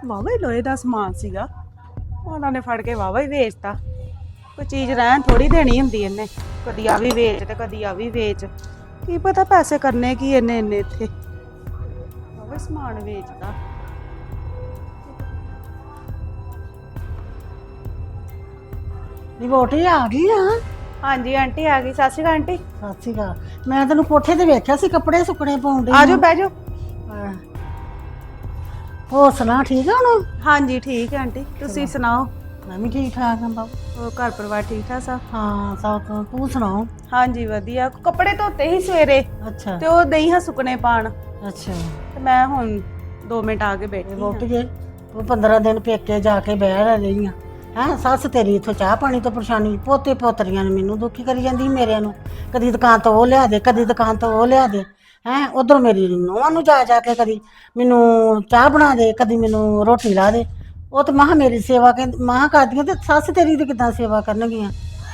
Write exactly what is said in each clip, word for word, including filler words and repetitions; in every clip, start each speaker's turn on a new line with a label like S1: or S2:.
S1: ਵਾਵਾ ਹੀ ਲੋਹੇ ਦਾ ਸਮਾਨ ਸੀਗਾ, ਉਹਨਾਂ ਨੇ ਫੜ ਕੇ ਵਾਵਾ ਹੀ ਵੇਚਤਾ। ਕੋਈ ਚੀਜ਼ ਰਹਿਣ ਥੋੜੀ ਦੇਣੀ ਹੁੰਦੀ ਇਹਨੇ, ਕਦੀ ਆ ਵੀ ਵੇਚ ਤੇ ਕਦੀ ਆ ਵੀ ਵੇਚ। ਕੀ ਪਤਾ ਪੈਸੇ ਕਰਨੇ ਕੀ ਇਹਨੇ ਇੰਨੇ ਇੱਥੇ, ਵਾਵਾ ਸਮਾਨ ਵੇਚਦਾ।
S2: ਨੀ ਵੋਟੀ ਆ ਗਈ ਆ।
S1: ਹਾਂਜੀ ਆਂਟੀ ਆ ਗਈ। ਸਤਿ ਸ਼੍ਰੀ ਅਕਾਲ ਆਂਟੀ।
S2: ਸਤਿ ਸ਼੍ਰੀ ਅਕਾਲ। ਮੈਂ ਤੈਨੂੰ ਕੋਠੇ ਤੇ ਵੇਖਿਆ ਸੀ ਕੱਪੜੇ ਸੁੱਕਣੇ ਪਾਉਣ ਦੇ।
S1: ਆਜੋ ਬਹਿ ਜਾਓ।
S2: ਹੋਰ ਸੁਣਾ ਠੀਕ ਆ ਹੁਣ?
S1: ਹਾਂਜੀ ਠੀਕ ਹੈ ਆਂਟੀ, ਤੁਸੀਂ ਸੁਣਾਓ?
S2: ਮੈਂ ਵੀ ਠੀਕ ਠਾਕ ਹਾਂ ਬਾਬੂ।
S1: ਹੋਰ ਘਰ ਪਰਿਵਾਰ ਠੀਕ ਠਾਕ ਸਭ?
S2: ਹਾਂ ਸਭ ਤੋਂ ਤੂੰ ਸੁਣਾਓ?
S1: ਹਾਂਜੀ ਵਧੀਆ। ਕੱਪੜੇ ਧੋਤੇ ਹੀ ਸਵੇਰੇ
S2: ਅੱਛਾ
S1: ਤੇ ਉਹ ਦਈ ਹਾਂ ਸੁੱਕਣੇ ਪਾਣ,
S2: ਅੱਛਾ।
S1: ਤੇ ਮੈਂ ਹੁਣ ਦੋ ਮਿੰਟ ਆ ਕੇ ਬੈਠੀ
S2: ਵੋਟ
S1: ਹਾਂ।
S2: ਜੇ ਤੂੰ ਪੰਦਰਾਂ ਦਿਨ ਪੇਕੇ ਜਾ ਕੇ ਬਹਿ ਰਹੀ ਆ ਹੈਂ। ਸੱਸ ਤੇਰੀ ਇੱਥੋਂ ਚਾਹ ਪਾਣੀ ਤੋਂ ਪਰੇਸ਼ਾਨੀ, ਪੋਤੇ ਪੋਤਰੀਆਂ ਨੇ ਮੈਨੂੰ ਦੁਖੀ ਕਰੀ ਜਾਂਦੀ ਮੇਰਿਆਂ ਨੂੰ। ਕਦੀ ਦੁਕਾਨ ਤੋਂ ਉਹ ਲਿਆ ਦੇ, ਕਦੀ ਦੁਕਾਨ ਤੋਂ ਉਹ ਲਿਆ ਦੇ ਹੈਂ। ਉਧਰ ਮੇਰੀ ਨੂੰਹਾਂ ਨੂੰ ਜਾ ਜਾ ਕੇ ਕਦੀ ਮੈਨੂੰ ਚਾਹ ਬਣਾ ਦੇ, ਕਦੀ ਮੈਨੂੰ ਰੋਟੀ ਲਾ ਦੇ। ਉਹ ਤੇ ਮਾਂ ਮੇਰੀ ਸੇਵਾ ਕਹਿੰਦੀ ਮਾਂ ਕਰਦੀਆਂ, ਤੇ ਸੱਸ ਤੇਰੀ ਦੀ ਕਿੱਦਾਂ ਸੇਵਾ ਕਰਨਗੀਆਂ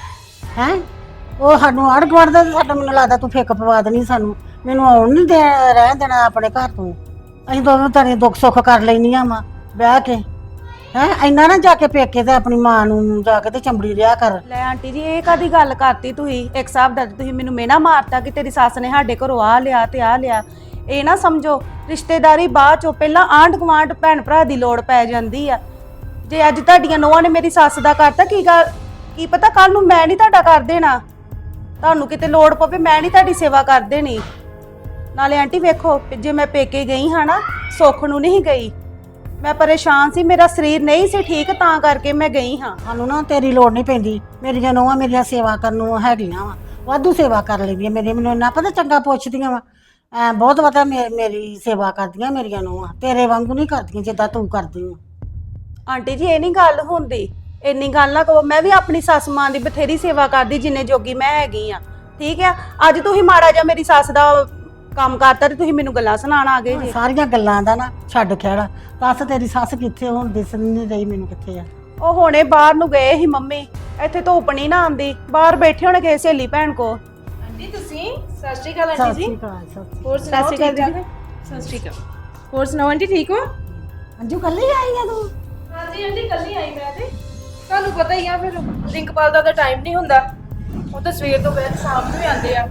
S2: ਹੈਂ। ਉਹ ਸਾਨੂੰ ਆੜ ਗੁਆੜ ਦਾ ਸਾਡਾ, ਮੈਨੂੰ ਲੱਗਦਾ ਤੂੰ ਫਿੱਕ ਪਵਾ ਦੇਣੀ ਸਾਨੂੰ। ਮੈਨੂੰ ਆਉਣ ਨਹੀਂ ਦੇ ਰਹਿਣ ਦੇਣਾ ਆਪਣੇ ਘਰ ਤੋਂ। ਅਸੀਂ ਦੋਵੇਂ ਤੇਰੇ ਦੁੱਖ ਸੁੱਖ ਕਰ ਲੈਣੀਆਂ ਵਾ ਬਹਿ ਕੇ ਹੈਂ। ਇੰਨਾ ਨਾ ਜਾ ਕੇ ਪੇਕੇ ਤੇ ਆਪਣੀ ਮਾਂ ਨੂੰ ਜਾ ਕੇ ਤੇ ਚੰਬੜੀ ਰਿਆ ਕਰ।
S1: ਲੈ ਆਂਟੀ ਜੀ ਇਹ ਕਾਦੀ ਗੱਲ ਕਰਤੀ ਤੁਸੀਂ? ਇੱਕ ਹਿਸਾਬ ਦਾ ਤੁਸੀਂ ਮੈਨੂੰ ਮੇਨਾ ਮਾਰਤਾ ਕਿ ਤੇਰੀ ਸੱਸ ਨੇ ਸਾਡੇ ਘਰੋਂ ਆ ਲਿਆ ਤੇ ਆ ਲਿਆ। ਇਹ ਨਾ ਸਮਝੋ ਰਿਸ਼ਤੇਦਾਰੀ ਬਾਅਦ ਚੋਂ, ਪਹਿਲਾਂ ਆਂਢ ਗੁਆਂਢ ਭੈਣ ਭਰਾ ਦੀ ਲੋੜ ਪੈ ਜਾਂਦੀ ਆ। ਜੇ ਅੱਜ ਤੁਹਾਡੀਆਂ ਨੂੰਹਾਂ ਨੇ ਮੇਰੀ ਸੱਸ ਦਾ ਕਰਤਾ, ਕੀ ਗੱਲ ਕੀ ਪਤਾ ਕੱਲ ਨੂੰ ਮੈਂ ਨਹੀਂ ਤੁਹਾਡਾ ਕਰ ਦੇਣਾ। ਤੁਹਾਨੂੰ ਕਿਤੇ ਲੋੜ ਪਵੇ ਮੈਂ ਨਹੀਂ ਤੁਹਾਡੀ ਸੇਵਾ ਕਰ ਦੇਣੀ। ਨਾਲੇ ਆਂਟੀ ਵੇਖੋ, ਜੇ ਮੈਂ ਪੇਕੇ ਗਈ ਹਾਂ ਨਾ, ਸੁੱਖ ਨੂੰ ਨਹੀਂ ਗਈ, ਮੈਂ ਪਰੇਸ਼ਾਨ ਸੀ, ਮੇਰਾ ਸਰੀਰ ਨਹੀਂ ਸੀ ਠੀਕ, ਤਾਂ ਕਰਕੇ ਮੈਂ ਗਈ ਹਾਂ।
S2: ਸਾਨੂੰ ਨਾ ਤੇਰੀ ਲੋੜ ਨਹੀਂ ਪੈਂਦੀ। ਮੇਰੀਆਂ ਨੂੰਹਾਂ ਮੇਰੀਆਂ ਸੇਵਾ ਕਰਨ ਨੂੰ ਹੈਗੀਆਂ ਵਾ, ਵਾਧੂ ਸੇਵਾ ਕਰ ਲੈਂਦੀਆਂ ਮੇਰੀ। ਮੈਨੂੰ ਇੰਨਾ ਪਤਾ ਚੰਗਾ ਪੁੱਛਦੀਆਂ ਵਾ, ਐ ਬਹੁਤ ਪਤਾ ਮੇਰੀ ਸੇਵਾ ਕਰਦੀਆਂ ਮੇਰੀਆਂ ਨੂੰਹਾਂ। ਤੇਰੇ ਵਾਂਗੂ ਨਹੀਂ ਕਰਦੀਆਂ ਜਿੱਦਾਂ ਤੂੰ ਕਰਦੀ ਆ।
S1: ਆਂਟੀ ਜੀ ਇਹ ਨਹੀਂ ਗੱਲ ਹੁੰਦੀ, ਇੰਨੀ ਗੱਲ ਨਾ ਕਹੋ। ਮੈਂ ਵੀ ਆਪਣੀ ਸੱਸ ਮਾਂ ਦੀ ਬਥੇਰੀ ਸੇਵਾ ਕਰਦੀ ਜਿੰਨੇ ਜੋਗੀ ਮੈਂ ਹੈਗੀ ਆ, ਠੀਕ ਆ। ਅੱਜ ਤੁਸੀਂ ਮਾੜਾ ਜਿਹਾ ਮੇਰੀ ਸੱਸ ਦਾ ਕੰਮ ਕਰਤਾ ਤੇ ਤੁਸੀਂ ਮੈਨੂੰ ਗੱਲਾਂ ਸੁਣਾਉਣ ਆ ਗਏ ਜੀ।
S2: ਸਾਰੀਆਂ ਗੱਲਾਂ ਦਾ ਨਾ ਛੱਡ ਖਹਿੜਾ। ਦੱਸ ਤੇਰੀ ਸੱਸ ਕਿੱਥੇ? ਹੁਣ ਦਿਸ ਨਹੀਂ ਰਹੀ ਮੈਨੂੰ ਕਿੱਥੇ ਆ।
S1: ਉਹ ਹੁਣੇ ਬਾਹਰ ਨੂੰ ਗਏ ਸੀ ਮੰਮੀ, ਇੱਥੇ ਧੁੱਪ ਨਹੀਂ ਨਾ ਆਉਂਦੀ, ਬਾਹਰ ਬੈਠੇ ਹੋਣੇ ਕਿਸੇ ਸਹੇਲੀ ਭੈਣ ਕੋ।
S3: ਆਂਟੀ ਤੁਸੀਂ? ਸਤਿ ਸ਼੍ਰੀ ਅਕਾਲ
S2: ਸਤਿ
S3: ਆਂਟੀ
S2: ਸ਼੍ਰੀ
S3: ਜੀ।
S2: ਅਕਾਲ। ਸਤਿ
S3: ਹੋਰ
S1: ਸਤਿ
S3: ਸੁਣਾਓ?
S1: ਸ਼੍ਰੀ ਅਕਾਲ
S3: ਠੀਕ ਠਾਕ?
S1: ਦੀਦੀ।
S3: ਸਤਿ ਸ਼੍ਰੀ ਅਕਾਲ। ਹੋਰ ਸੁਣਾਓ ਆਂਟੀ ਠੀਕ ਹੋ?
S2: ਅੰਜੂ ਕੱਲੀ ਆਈ ਆ ਤੂੰ?
S3: ਹਾਂਜੀ ਆਂਟੀ ਕੱਲ ਹੀ ਆਈ ਮੈਂ ਤੇ। ਤੁਹਾਨੂੰ ਪਤਾ ਹੀ ਆ ਫਿਰ ਰਿੰਕਪਾਲ ਦਾ ਤਾਂ ਟਾਈਮ ਨਹੀਂ ਹੁੰਦਾ, ਉਹ ਤਾਂ ਸਵੇਰ ਤੋਂ ਬਾਅਦ ਸ਼ਾਮ ਨੂੰ ਹੀ ਆਉਂਦੇ ਆ।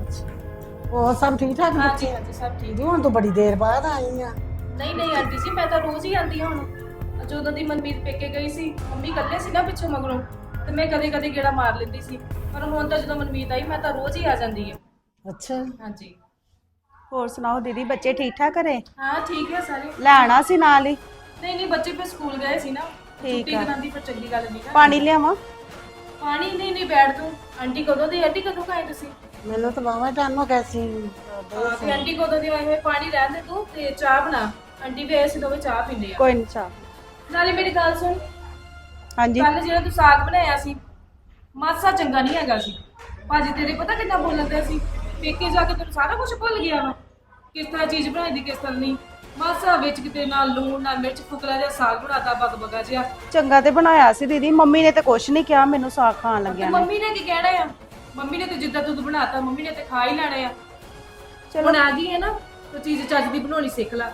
S2: ਉਹ ਸਭ ਠੀਕ ਠਾਕ?
S3: ਹਾਂਜੀ ਹਾਂਜੀ ਸਭ ਠੀਕ।
S2: ਜੀ ਹੁਣ ਤੂੰ ਬੜੀ ਦੇਰ ਬਾਅਦ ਆਈ ਆ।
S3: ਨਹੀਂ ਨਹੀਂ ਆਂਟੀ ਜੀ, ਮੈਂ ਤਾਂ ਰੋਜ਼ ਹੀ ਆਉਂਦੀ ਹਾਂ ਹੁਣ। ਜਦੋਂ ਦੀ ਮਨਮੀਤ ਪੇਕੇ ਗਈ ਸੀ, ਮੰਮੀ ਇਕੱਲੇ ਸੀ ਨਾ ਪਿੱਛੋਂ ਮਗਰੋਂ, ਤੇ ਮੈਂ ਕਦੇ ਕਦੇ ਗੇੜਾ ਮਾਰ ਲੈਂਦੀ ਸੀ। ਪਰ ਹੁਣ ਤਾਂ ਜਦੋਂ ਮਨਮੀਤ ਆਈ, ਮੈਂ ਤਾਂ ਰੋਜ਼ ਹੀ ਆ ਜਾਂਦੀ ਹਾਂ।
S2: ਅੱਛਾ
S3: ਹਾਂਜੀ।
S1: ਹੋਰ ਸੁਣਾਓ ਦੀਦੀ, ਬੱਚੇ ਠੀਕ ਠਾਕ ਘਰੇ?
S3: ਹਾਂ ਠੀਕ ਹੈ ਸਾਰੇ।
S1: ਲੈਣਾ ਸੀ ਨਾਲ ਹੀ?
S3: ਨਹੀਂ ਨਹੀਂ ਬੱਚੇ ਫਿਰ ਸਕੂਲ ਗਏ ਸੀ ਨਾ, ਛੁੱਟੀ
S1: ਆ।
S3: ਕਰਾਂਦੀ ਫਿਰ ਚੰਗੀ ਗੱਲ ਨਹੀਂ ਨਾ।
S1: ਪਾਣੀ ਲਿਆਵਾਂ?
S3: ਪਾਣੀ ਨਹੀਂ ਨਹੀਂ ਬੈਠ ਤੂੰ। ਆਂਟੀ ਕਦੋਂ ਦੀ? ਆਂਟੀ ਕਦੋਂ ਆਏ ਤੁਸੀਂ?
S2: ਮੈਨੂੰ ਤਾਂ ਬਾਵਾ ਟਾਈਮ ਹੋ ਗਿਆ ਸੀ।
S3: ਹਾਂ ਤੇ ਆਂਟੀ ਕਦੋਂ ਦੀ ਆਏ ਹੋਏ? ਪਾਣੀ ਰਹਿਣ ਦੇ ਤੂੰ ਤੇ ਚਾਹ ਬਣਾ। ਆਂਟੀ ਵੀ ਆਏ ਸੀ, ਦੋਵੇਂ ਚਾਹ ਪੀਂਦੇ ਆ।
S1: ਕੋਈ ਨਹੀਂ ਚਾਹ।
S3: ਨਾਲੇ ਮੇਰੀ ਗੱਲ ਸੁਣ,
S1: ਹਾਂਜੀ।
S3: ਕੱਲ ਜਿਹੜਾ ਤੂੰ ਸਾਗ ਬਣਾਇਆ ਸੀ, ਮਾਸਾ ਚੰਗਾ ਨਹੀਂ ਹੈਗਾ ਸੀ। ਭਾਜੀ ਤੇਰੇ ਪਤਾ ਕਿੰਨਾ ਬੋਲਦੇ ਸੀ, ਪੇਕੇ ਜਾ ਕੇ ਤੈਨੂੰ ਸਾਰਾ ਕੁਝ ਭੁੱਲ ਗਿਆ ਵਾ, ਕਿਸ ਤਰ੍ਹਾਂ ਚੀਜ਼ ਬਣਾਈ ਦੀ ਕਿਸ ਤਰ੍ਹਾਂ ਨਹੀਂ। ਮਾਸਾ ਵਿੱਚ ਕਿਤੇ ਨਾ ਲੂਣ ਨਾ ਮਿਰਚ, ਫੁਕਰਾ ਜਿਹਾ ਸਾਗ ਬਣਾਤਾ ਬਗ ਬਗਾ ਜਿਹਾ।
S1: ਚੰਗਾ ਤੇ ਬਣਾਇਆ ਸੀ ਦੀਦੀ, ਮੰਮੀ ਨੇ ਤੇ ਕੁਛ ਨਹੀਂ ਕਿਹਾ ਮੈਨੂੰ ਸਾਗ ਖਾਣ
S3: ਤੇ
S1: ਲੱਗਿਆ ਨੇ।
S3: ਮੰਮੀ ਨੇ ਕੀ ਕਹਿਣਾ ਆ? ਮੰਮੀ ਨੇ ਤੇ ਜਿੱਦਾਂ ਤੂੰ ਬਣਾਤਾ, ਮੰਮੀ ਨੇ ਤੇ ਖਾ ਹੀ ਲੈਣਾ ਆ।
S1: ਚਲੋ
S3: ਹੁਣ ਆ ਗਈ ਹੈ ਨਾ, ਤਾਂ ਚੀਜ਼ ਚੱਜ ਦੀ ਬਣਾਉਣੀ ਸਿੱਖ ਲੈ।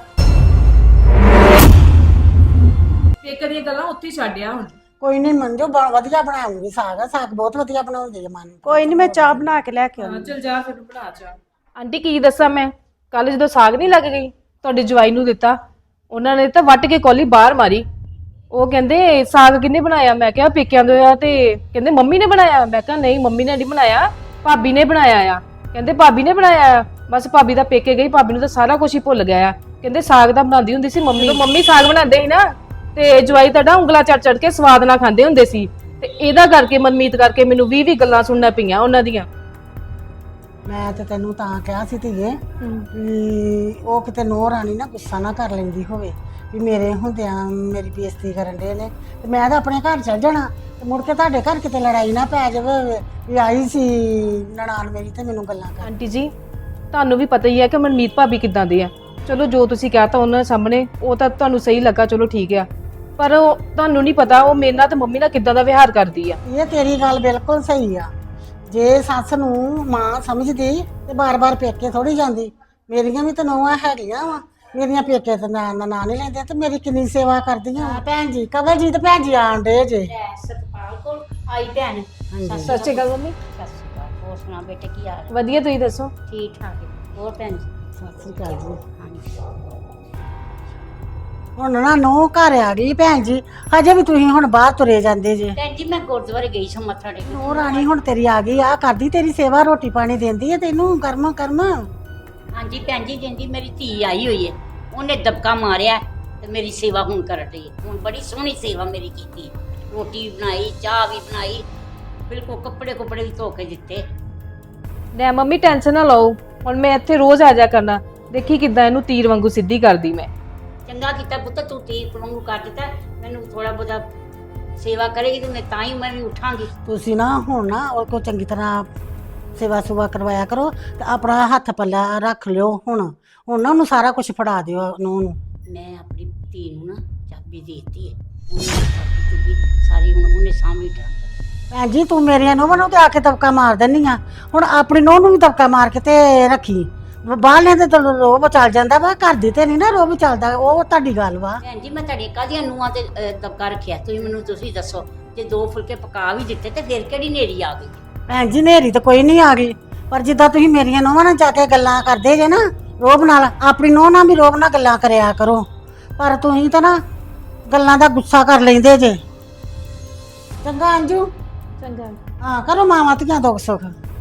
S3: ਪੇਕੇ ਦੀਆਂ ਗੱਲਾਂ ਉੱਥੇ ਹੀ ਛੱਡਿਆ ਹੁਣ।
S2: ਕੋਈ ਨਹੀਂ ਮੰਜੋ, ਬ- ਵਧੀਆ ਬਣਾਉਂਗੀ ਸਾਗ। ਸਾਗ ਬਹੁਤ ਵਧੀਆ ਬਣਾਉਂਦੀ ਹੈ ਮਨ।
S1: ਕੋਈ ਨਹੀਂ, ਮੈਂ ਚਾਹ ਬਣਾ ਕੇ ਲੈ ਕੇ
S3: ਹਾਂ
S1: ਆਉਂਦੀ।
S3: ਚਲ ਜਾ ਫਿਰ ਬਣਾ ਚਾਹ। ਆਂਟੀ ਕੀ ਦੱਸਾਂ ਮੈਂ, ਕੱਲ ਜਦੋਂ ਸਾਗ ਨਹੀਂ ਲੱਗ ਗਈ, ਤੁਹਾਡੇ ਜਵਾਈ ਨੂੰ ਦਿੱਤਾ, ਉਹਨਾਂ ਨੇ ਤਾਂ ਵੱਟ ਕੇ ਕੌਲੀ ਬਾਹਰ ਮਾਰੀ। ਉਹ ਕਹਿੰਦੇ ਸਾਗ ਕਿਹਨੇ ਬਣਾਇਆ? ਮੈਂ ਕਿਹਾ ਪੇਕਿਆਂ ਦੇ ਆ। ਤੇ ਕਹਿੰਦੇ ਮੰਮੀ ਨੇ ਬਣਾਇਆ। ਮੈਂ ਕਿਹਾ ਨਹੀਂ ਮੰਮੀ ਨੇ ਨਹੀਂ ਬਣਾਇਆ, ਭਾਬੀ ਨੇ ਬਣਾਇਆ ਆ। ਕਹਿੰਦੇ ਭਾਬੀ ਨੇ ਬਣਾਇਆ ਆ? ਬਸ ਭਾਬੀ ਦਾ ਪੇਕੇ ਗਈ, ਭਾਬੀ ਨੂੰ ਤਾਂ ਸਾਰਾ ਕੁਝ ਹੀ ਭੁੱਲ ਗਿਆ ਆ। ਕਹਿੰਦੇ ਸਾਗ ਤਾਂ ਬਣਾਉਂਦੀ ਹੁੰਦੀ ਸੀ ਮੰਮੀ। ਜਦੋਂ ਮੰਮੀ ਸਾਗ ਬਣਾਉਂਦੇ ਸੀ ਨਾ, ਤੇ ਜਵਾਈ ਤੁਹਾਡਾ ਉਂਗਲਾ ਚੜ ਚੜ ਕੇ ਸਵਾਦ ਨਾਲ ਖਾਂਦੇ ਹੁੰਦੇ ਸੀ। ਤੇ ਇਹਦਾ ਕਰਕੇ ਮਨਮੀਤ ਕਰਕੇ ਮੈਨੂੰ ਵੀਹ ਵੀਹ ਗੱਲਾਂ ਸੁਣਨਾ ਪਈਆਂ ਉਹਨਾਂ ਦੀਆਂ।
S2: ਮੈਂ ਤੇ ਤੈਨੂੰ ਤਾਂ ਕਿਹਾ ਸੀ ਧੀਏ ਵੀ ਉਹ ਕਿਤੇ ਨੂੰਹ ਰਾਣੀ ਨਾ ਗੁੱਸਾ ਨਾ ਕਰ ਲੈਂਦੀ ਹੋਵੇ ਵੀ ਮੇਰੇ ਹੁੰਦਿਆਂ ਮੇਰੀ ਬੇਇੱਜ਼ਤੀ ਕਰਨ ਦੇ ਨੇ, ਤੇ ਮੈਂ ਤਾਂ ਆਪਣੇ ਘਰ ਚੱਲ ਜਾਣਾ, ਤੇ ਮੁੜ ਕੇ ਤੁਹਾਡੇ ਘਰ ਕਿਤੇ ਲੜਾਈ ਨਾ ਪੈ ਜਾਵੇ ਵੀ ਆਈ ਸੀ ਨਨਾਣ ਮੇਰੀ ਤੇ ਮੈਨੂੰ ਗੱਲਾਂ ਕਰ।
S3: ਆਂਟੀ ਜੀ ਤੁਹਾਨੂੰ ਵੀ ਪਤਾ ਹੀ ਹੈ ਕਿ ਮਨਮੀਤ ਭਾਬੀ ਕਿੱਦਾਂ ਦੇ ਆ। ਚਲੋ ਜੋ ਤੁਸੀਂ ਕਹਤਾ ਉਹਨਾਂ ਦੇ ਸਾਹਮਣੇ, ਉਹ ਤਾਂ ਤੁਹਾਨੂੰ ਸਹੀ ਲੱਗਾ, ਚਲੋ ਠੀਕ ਆ। ਪਰ ਉਹ ਤੁਹਾਨੂੰ ਨਹੀਂ ਪਤਾ ਉਹ ਮੇਰੇ ਨਾਲ ਤੇ ਮੰਮੀ ਨਾਲ ਕਿੱਦਾਂ ਦਾ ਵਿਹਾਰ ਕਰਦੀ ਆ।
S2: ਇਹ ਤੇਰੀ ਗੱਲ ਬਿਲਕੁਲ ਸਹੀ ਆ। ਜੇ ਸੱਸ ਨੂੰ ਮਾਂ ਸਮਝਦੀ ਤੇ ਬਾਰ-ਬਾਰ ਪੇਕੇ ਥੋੜੀ ਜਾਂਦੀ। ਮੇਰੀਆਂ ਵੀ ਤਾਂ ਨੂੰਹਾਂ ਹੈਗੀਆਂ ਵਾ, ਮੇਰੀਆਂ ਪੇਕੇ ਤੇ ਨਾਂ ਦਾ ਨਾਂ ਨਹੀਂ ਲੈਂਦੇ ਤੇ ਮੇਰੀ ਕਿੰਨੀ ਸੇਵਾ ਕਰਦੀਆਂ ਭੈਣ ਜੀ ਕਵਲਜੀਤ ਭੈਣ ਜੀ ਆਣ ਡੇ ਜੇ
S4: ਸਤਪਾਲ ਕੋਲ ਆਈ ਭੈਣ
S2: ਹਾਂਜੀ
S3: ਸਤਿ ਸ਼੍ਰੀ ਅਕਾਲ ਮੰਮੀ।
S4: ਸਤਿ ਸ਼੍ਰੀ ਅਕਾਲ। ਹੋਰ ਸੁਣਾ ਬੇਟੇ ਕੀ ਹਾਲ ਹੈ?
S3: ਵਧੀਆ, ਤੁਸੀਂ ਦੱਸੋ?
S4: ਠੀਕ ਠਾਕ ਹੈ। ਹੋਰ ਭੈਣ ਜੀ?
S2: ਸਤਿ ਸ੍ਰੀ ਅਕਾਲ ਜੀ।
S4: ਹਾਂਜੀ।
S2: ਹੁਣ ਨਾ ਨੋ ਘਰ ਆ ਗਈ ਭੈਣ ਜੀ, ਹਜੇ ਵੀ ਤੁਸੀਂ ਹੁਣ ਬਾਹਰ ਤੁਰੇ ਜਾਂਦੇ ਜੇ।
S4: ਭੈਣ ਜੀ ਮੈਂ ਗੁਰਦੁਆਰੇ ਗਈ ਸਾਂ ਮੱਥਾ ਟੇਕਣ।
S2: ਨੋ ਰਾਣੀ ਹੁਣ ਤੇਰੀ ਆ ਗਈ ਆ ਕਰਦੀ ਤੇਰੀ ਸੇਵਾ, ਰੋਟੀ ਪਾਣੀ ਦਿੰਦੀ ਹੈ ਤੈਨੂੰ ਕਰਮ ਕਰਮ।
S4: ਹਾਂਜੀ ਭੈਣ ਜੀ, ਜਿੰਦੀ ਮੇਰੀ ਧੀ ਆਈ ਹੋਈ ਹੈ ਉਹਨੇ ਦਬਕਾ ਮਾਰਿਆ ਤੇ ਮੇਰੀ ਸੇਵਾ ਹੁਣ ਕਰ ਰਹੀ ਹੈ। ਹੁਣ ਬੜੀ ਸੋਹਣੀ ਸੇਵਾ ਮੇਰੀ ਕੀਤੀ, ਰੋਟੀ ਬਣਾਈ, ਚਾਹ ਵੀ ਬਣਾਈ, ਬਿਲਕੁਲ ਕੱਪੜੇ ਕੁਪੜੇ ਵੀ ਧੋ ਕੇ ਦਿੱਤੇ।
S3: ਲੈ ਮੰਮੀ ਟੈਨਸ਼ਨ ਨਾ ਲਓ, ਹੁਣ ਮੈਂ ਇੱਥੇ ਰੋਜ਼ ਆ ਜਾ ਕਰਨਾ, ਦੇਖੀ ਕਿੱਦਾਂ ਇਹਨੂੰ ਤੀਰ ਵਾਂਗੂ ਸਿੱਧੀ ਕਰਦੀ ਮੈਂ।
S4: ਚੰਗਾ ਕੀਤਾ ਪੁੱਤ, ਤੂੰ ਤੀਰ ਵਾਂਗੂ ਕਰ ਦਿੱਤਾ। ਮੈਨੂੰ ਥੋੜਾ ਬਹੁਤਾ ਸੇਵਾ ਕਰੇਗੀ ਤੇ ਮੈਂ ਤਾਂ ਹੀ ਮੈਂ ਵੀ ਉਠਾਂਗੀ।
S2: ਤੁਸੀਂ ਨਾ ਹੁਣ ਨਾ ਉਹ ਕੋ ਚੰਗੀ ਤਰ੍ਹਾਂ ਸੇਵਾ ਸੁਵਾ ਕਰਵਾਇਆ ਕਰੋ ਤੇ ਆਪਣਾ ਹੱਥ ਪੱਲਾ ਰੱਖ ਲਿਓ। ਹੁਣ ਹੁਣ ਨਾ ਉਹਨੂੰ ਸਾਰਾ ਕੁਝ ਫੜਾ ਦਿਓ ਨੂੰ ਨੂੰ।
S4: ਮੈਂ ਆਪਣੀ ਧੀ ਨੂੰ ਨਾ ਚਾਬੀ ਦੇ ਦਿੱਤੀ ਹੈ, ਉਹਨੇ ਚਾਬੀ ਚੁਬੀ ਸਾਰੀ ਹੁਣ ਉਹਨੇ ਸਾਹਮਣੇ ਟਰੰਕ।
S2: ਭੈਣ ਜੀ ਤੂੰ ਮੇਰੀਆਂ ਨੂੰਹਾਂ ਨੂੰ ਤੇ ਆ ਕੇ ਦਬਕਾ ਮਾਰ ਦਿੰਦੀ ਆ, ਹੁਣ ਆਪਣੀ ਨੂੰਹ ਨੂੰ ਵੀ ਦਬਕਾ ਮਾਰ ਕੇ ਤੇ ਰੱਖੀ। ਬਾਹਰਲਿਆਂ ਦੇ ਤਾਂ ਰੋਬ ਚੱਲ ਜਾਂਦਾ ਵਾ, ਘਰ ਦੀ ਤੇ ਨਹੀਂ ਨਾ ਰੋਬ ਚੱਲਦਾ, ਉਹ ਤੁਹਾਡੀ ਗੱਲ ਵਾ।
S4: ਭੈਣ ਜੀ ਮੈਂ ਤੁਹਾਡੀ ਕਾਹਦੀਆਂ ਨੂੰਹਾਂ ਤੇ ਅਹ, ਦਬਕਾ ਰੱਖਿਆ? ਤੁਸੀਂ ਮੈਨੂੰ ਤੁਸੀਂ ਦੱਸੋ, ਜੇ ਦੋ ਫੁਲਕੇ ਪਕਾ ਵੀ ਦਿੱਤੇ ਤੇ ਫਿਰ ਕਿਹੜੀ ਨੇਰੀ ਆ ਗਈ?
S2: ਭੈਣ ਜੀ ਨੇਰੀ ਤਾਂ ਕੋਈ ਨਹੀਂ ਆ ਗਈ, ਪਰ ਜਿੱਦਾਂ ਤੁਸੀਂ ਮੇਰੀਆਂ ਨੂੰਹਾਂ ਨਾਲ ਜਾ ਕੇ ਗੱਲਾਂ ਕਰਦੇ ਜੇ ਨਾ ਰੋਬ ਨਾਲ, ਆਪਣੀ ਨੂੰਹ ਨਾਲ ਵੀ ਰੋਬ ਨਾਲ ਗੱਲਾਂ ਕਰਿਆ ਕਰੋ। ਪਰ ਤੁਸੀਂ ਤਾਂ ਨਾ ਗੱਲਾਂ ਦਾ ਗੁੱਸਾ ਕਰ ਲੈਂਦੇ ਜੇ। ਚੰਗਾ ਅੰਜੂ,
S3: ਚੰਗਾ।
S2: ਹਾਂ ਕਰੋ ਮਾਵਾਂ ਧੀਆਂ ਦੁੱਖ ਸੁੱਖ।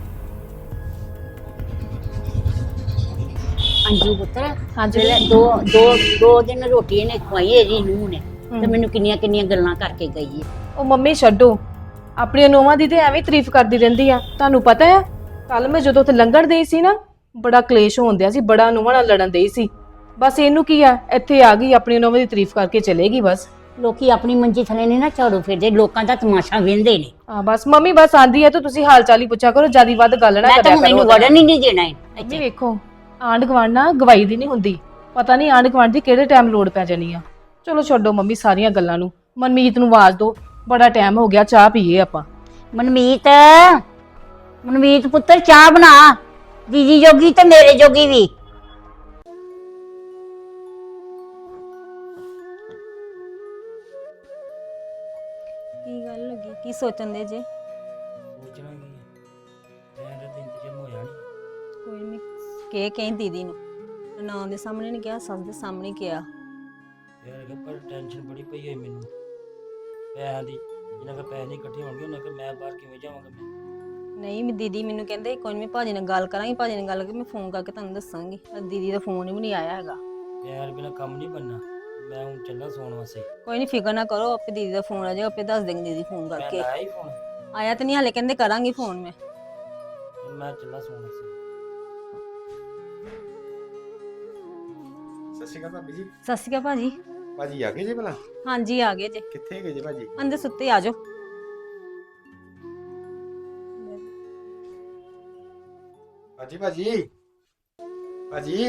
S4: ਅੰਜੂ ਪੁੱਤਰ,
S3: ਹਾਂਜੀ।
S4: ਜਿਹੜੇ ਦੋ ਦੋ ਦੋ ਦਿਨ ਰੋਟੀ ਇਹਨੇ ਖਵਾਈ ਇਹਦੀ ਨੂੰਹ ਨੇ ਤੇ ਮੈਨੂੰ ਕਿੰਨੀਆਂ ਕਿੰਨੀਆਂ ਗੱਲਾਂ ਕਰਕੇ ਗਈ ਹੈ।
S3: ਉਹ ਮੰਮੀ ਛੱਡੋ, ਆਪਣੀਆਂ ਨੋਵਾਂ ਦੀ ਤੇ ਐਵੇਂ ਤਾਰੀਫ ਕਰਦੀ ਰਹਿੰਦੀ ਆ। ਤੁਹਾਨੂੰ ਪਤਾ ਹੈ ਕੱਲ ਮੈਂ ਜਦੋਂ ਉੱਥੇ ਲੰਘਣ ਦੇਈ ਸੀ ਨਾ, ਬੜਾ ਕਲੇਸ਼ ਹੋਣ ਸੀ, ਬੜਾ ਨੋਵਾਂ ਨਾਲ ਲੜਨ ਦੇਈ ਸੀ। ਬਸ ਇਹਨੂੰ ਕੀ ਆ, ਇੱਥੇ ਆ ਗਈ ਆਪਣੀ ਨੋਵਾਂ ਦੀ ਤਾਰੀਫ ਕਰਕੇ ਚਲੇਗੀ ਬਸ।
S4: ਲੋਕੀ ਆਪਣੀ ਮੰਜੀ ਥੱਲੇ ਨਹੀਂ ਨਾ ਝਾੜੂ ਫਿਰਦੇ, ਲੋਕਾਂ ਦਾ ਤਮਾਸ਼ਾ ਵੇਂਦੇ ਨੇ।
S3: ਆ ਬਸ ਮੰਮੀ ਬਸ ਆਂਦੀ ਹੈ ਤਾਂ ਤੁਸੀਂ ਹਾਲ ਚਾਲ ਹੀ ਪੁੱਛਿਆ ਕਰੋ, ਜਿਆਦੀ ਵੱਧ ਗੱਲ ਨਾ
S4: ਮੈਂ
S3: ਕਰਿਆ
S4: ਤਾਂ
S3: ਕਰੋ।
S4: ਮੈਨੂੰ ਵੜਨ ਹੀ ਨਹੀਂ ਦੇਣਾ ਹੈ
S3: ਮੰਮੀ
S4: ਇੱਥੇ।
S3: ਵੇਖੋ, ਆਂਢ ਗੁਆਂਢ ਨਾ ਗਵਾਈ ਦੀ ਨਹੀਂ ਹੁੰਦੀ, ਪਤਾ ਨਹੀਂ ਆਂਢ ਗੁਆਂਢ ਦੀ ਕਿਹੜੇ ਟਾਈਮ ਲੋੜ ਪੈ ਜਾਣੀ ਆ। ਚਲੋ ਛੱਡੋ ਮੰਮੀ ਸਾਰੀਆਂ ਗੱਲਾਂ ਨੂੰ, ਮਨਮੀਤ ਨੂੰ ਆਵਾਜ਼ ਦਿਓ, ਬੜਾ ਟਾਈਮ ਹੋ ਗਿਆ, ਚਾਹ ਪੀਏ ਆਪਾਂ।
S4: ਮਨਮੀਤ, ਮਨਮੀਤ ਪੁੱਤਰ ਚਾਹ ਬਣਾ, ਦੀਦੀ ਜੋਗੀ ਤੇ ਮੇਰੇ ਜੋਗੀ ਵੀ।
S5: ਕੀ ਗੱਲ ਹੋ ਗਈ? ਕੀ ਸੋਚਣ ਦੇ ਜੇ?
S6: ਸੋਚਣਾ ਕੀ ਹੈ, ਮੈਂ ਤਾਂ ਦਿਨ ਚ ਹੋਇਆ ਨਹੀਂ।
S5: ਕੋਈ ਨਹੀਂ, ਕੇ ਕਹੀਂ ਦੀਦੀ ਨੂੰ, ਨਾਂ ਦੇ ਸਾਹਮਣੇ ਨਹੀਂ ਕਿਹਾ, ਸੱਸ ਦੇ ਸਾਹਮਣੇ ਕਿਹਾ।
S6: ਯਾਰ ਕਿ ਪਰ ਟੈਨਸ਼ਨ ਬੜੀ ਪਈ ਹੈ ਮੈਨੂੰ ਪੈਸਿਆਂ ਦੀ। ਜਿੰਨਾ ਕੁ ਪੈਸੇ ਨਹੀਂ ਇਕੱਠੇ ਹੋਣਗੇ ਉਹਨਾਂ ਕਿ ਮੈਂ ਬਾਹਰ ਕਿਵੇਂ ਜਾਵਾਂਗਾ ਮੈਂ।
S5: ਨਹੀਂ ਮੈਂ ਦੀਦੀ ਮੈਨੂੰ ਕਹਿੰਦੇ ਕੋਈ ਨਹੀਂ, ਭਾਜੀ ਨਾਲ ਗੱਲ ਕਰਾਂਗੀ, ਭਾਜੀ ਨਾਲ ਗੱਲ ਕਰਕੇ ਮੈਂ ਫੋਨ ਕਰਕੇ ਤੁਹਾਨੂੰ ਦੱਸਾਂਗੀ। ਪਰ ਦੀਦੀ ਦਾ ਫੋਨ ਹੀ ਵੀ ਨਹੀਂ ਆਇਆ ਹੈਗਾ।
S6: ਪਿਆਰ ਬਿਨਾ ਕੰਮ ਨਹੀਂ ਬਣਨਾ, ਮੈਂ ਹੁਣ ਚੱਲਾਂ ਸੌਣ ਵਾਸਤੇ।
S5: ਕੋਈ ਨਹੀਂ ਫਿਕਰ ਨਾ ਕਰੋ, ਆਪੇ ਦੀਦੀ ਦਾ ਫੋਨ ਆ ਜਾਏਗਾ, ਆਪੇ ਦੱਸ ਦੇਂਗੇ ਦੀਦੀ ਫੋਨ
S6: ਮੈਂ
S5: ਕਰਕੇ।
S6: ਲਾਇਆ ਹੀ ਫੋਨ,
S5: ਆਇਆ ਤਾਂ ਨਹੀਂ ਹਾਲੇ, ਕਹਿੰਦੇ ਕਰਾਂਗੀ ਫੋਨ ਮੈਂ।
S6: ਮੈਂ ਚੱਲਾਂ ਸੌਣ ਵਾਸਤੇ।
S7: ਸਤਿ ਸ਼੍ਰੀ ਅਕਾਲ ਭਾਬੀ ਜੀ।
S5: ਸਤਿ ਸ਼੍ਰੀ ਅਕਾਲ ਭਾਜੀ।
S7: ਭਾਜੀ ਆ ਗਏ ਜੇ ਭਲਾ?
S5: ਹਾਂਜੀ ਆ ਗਏ ਜੇ,
S7: ਕਿੱਥੇ ਗਏ ਜੇ ਭਾਜੀ?
S5: ਅੰਦਰ ਸੁੱਤੇ ਆ ਜਾਓ।
S7: ਭਾਜੀ ਭਾਜੀ ਭਾਜੀ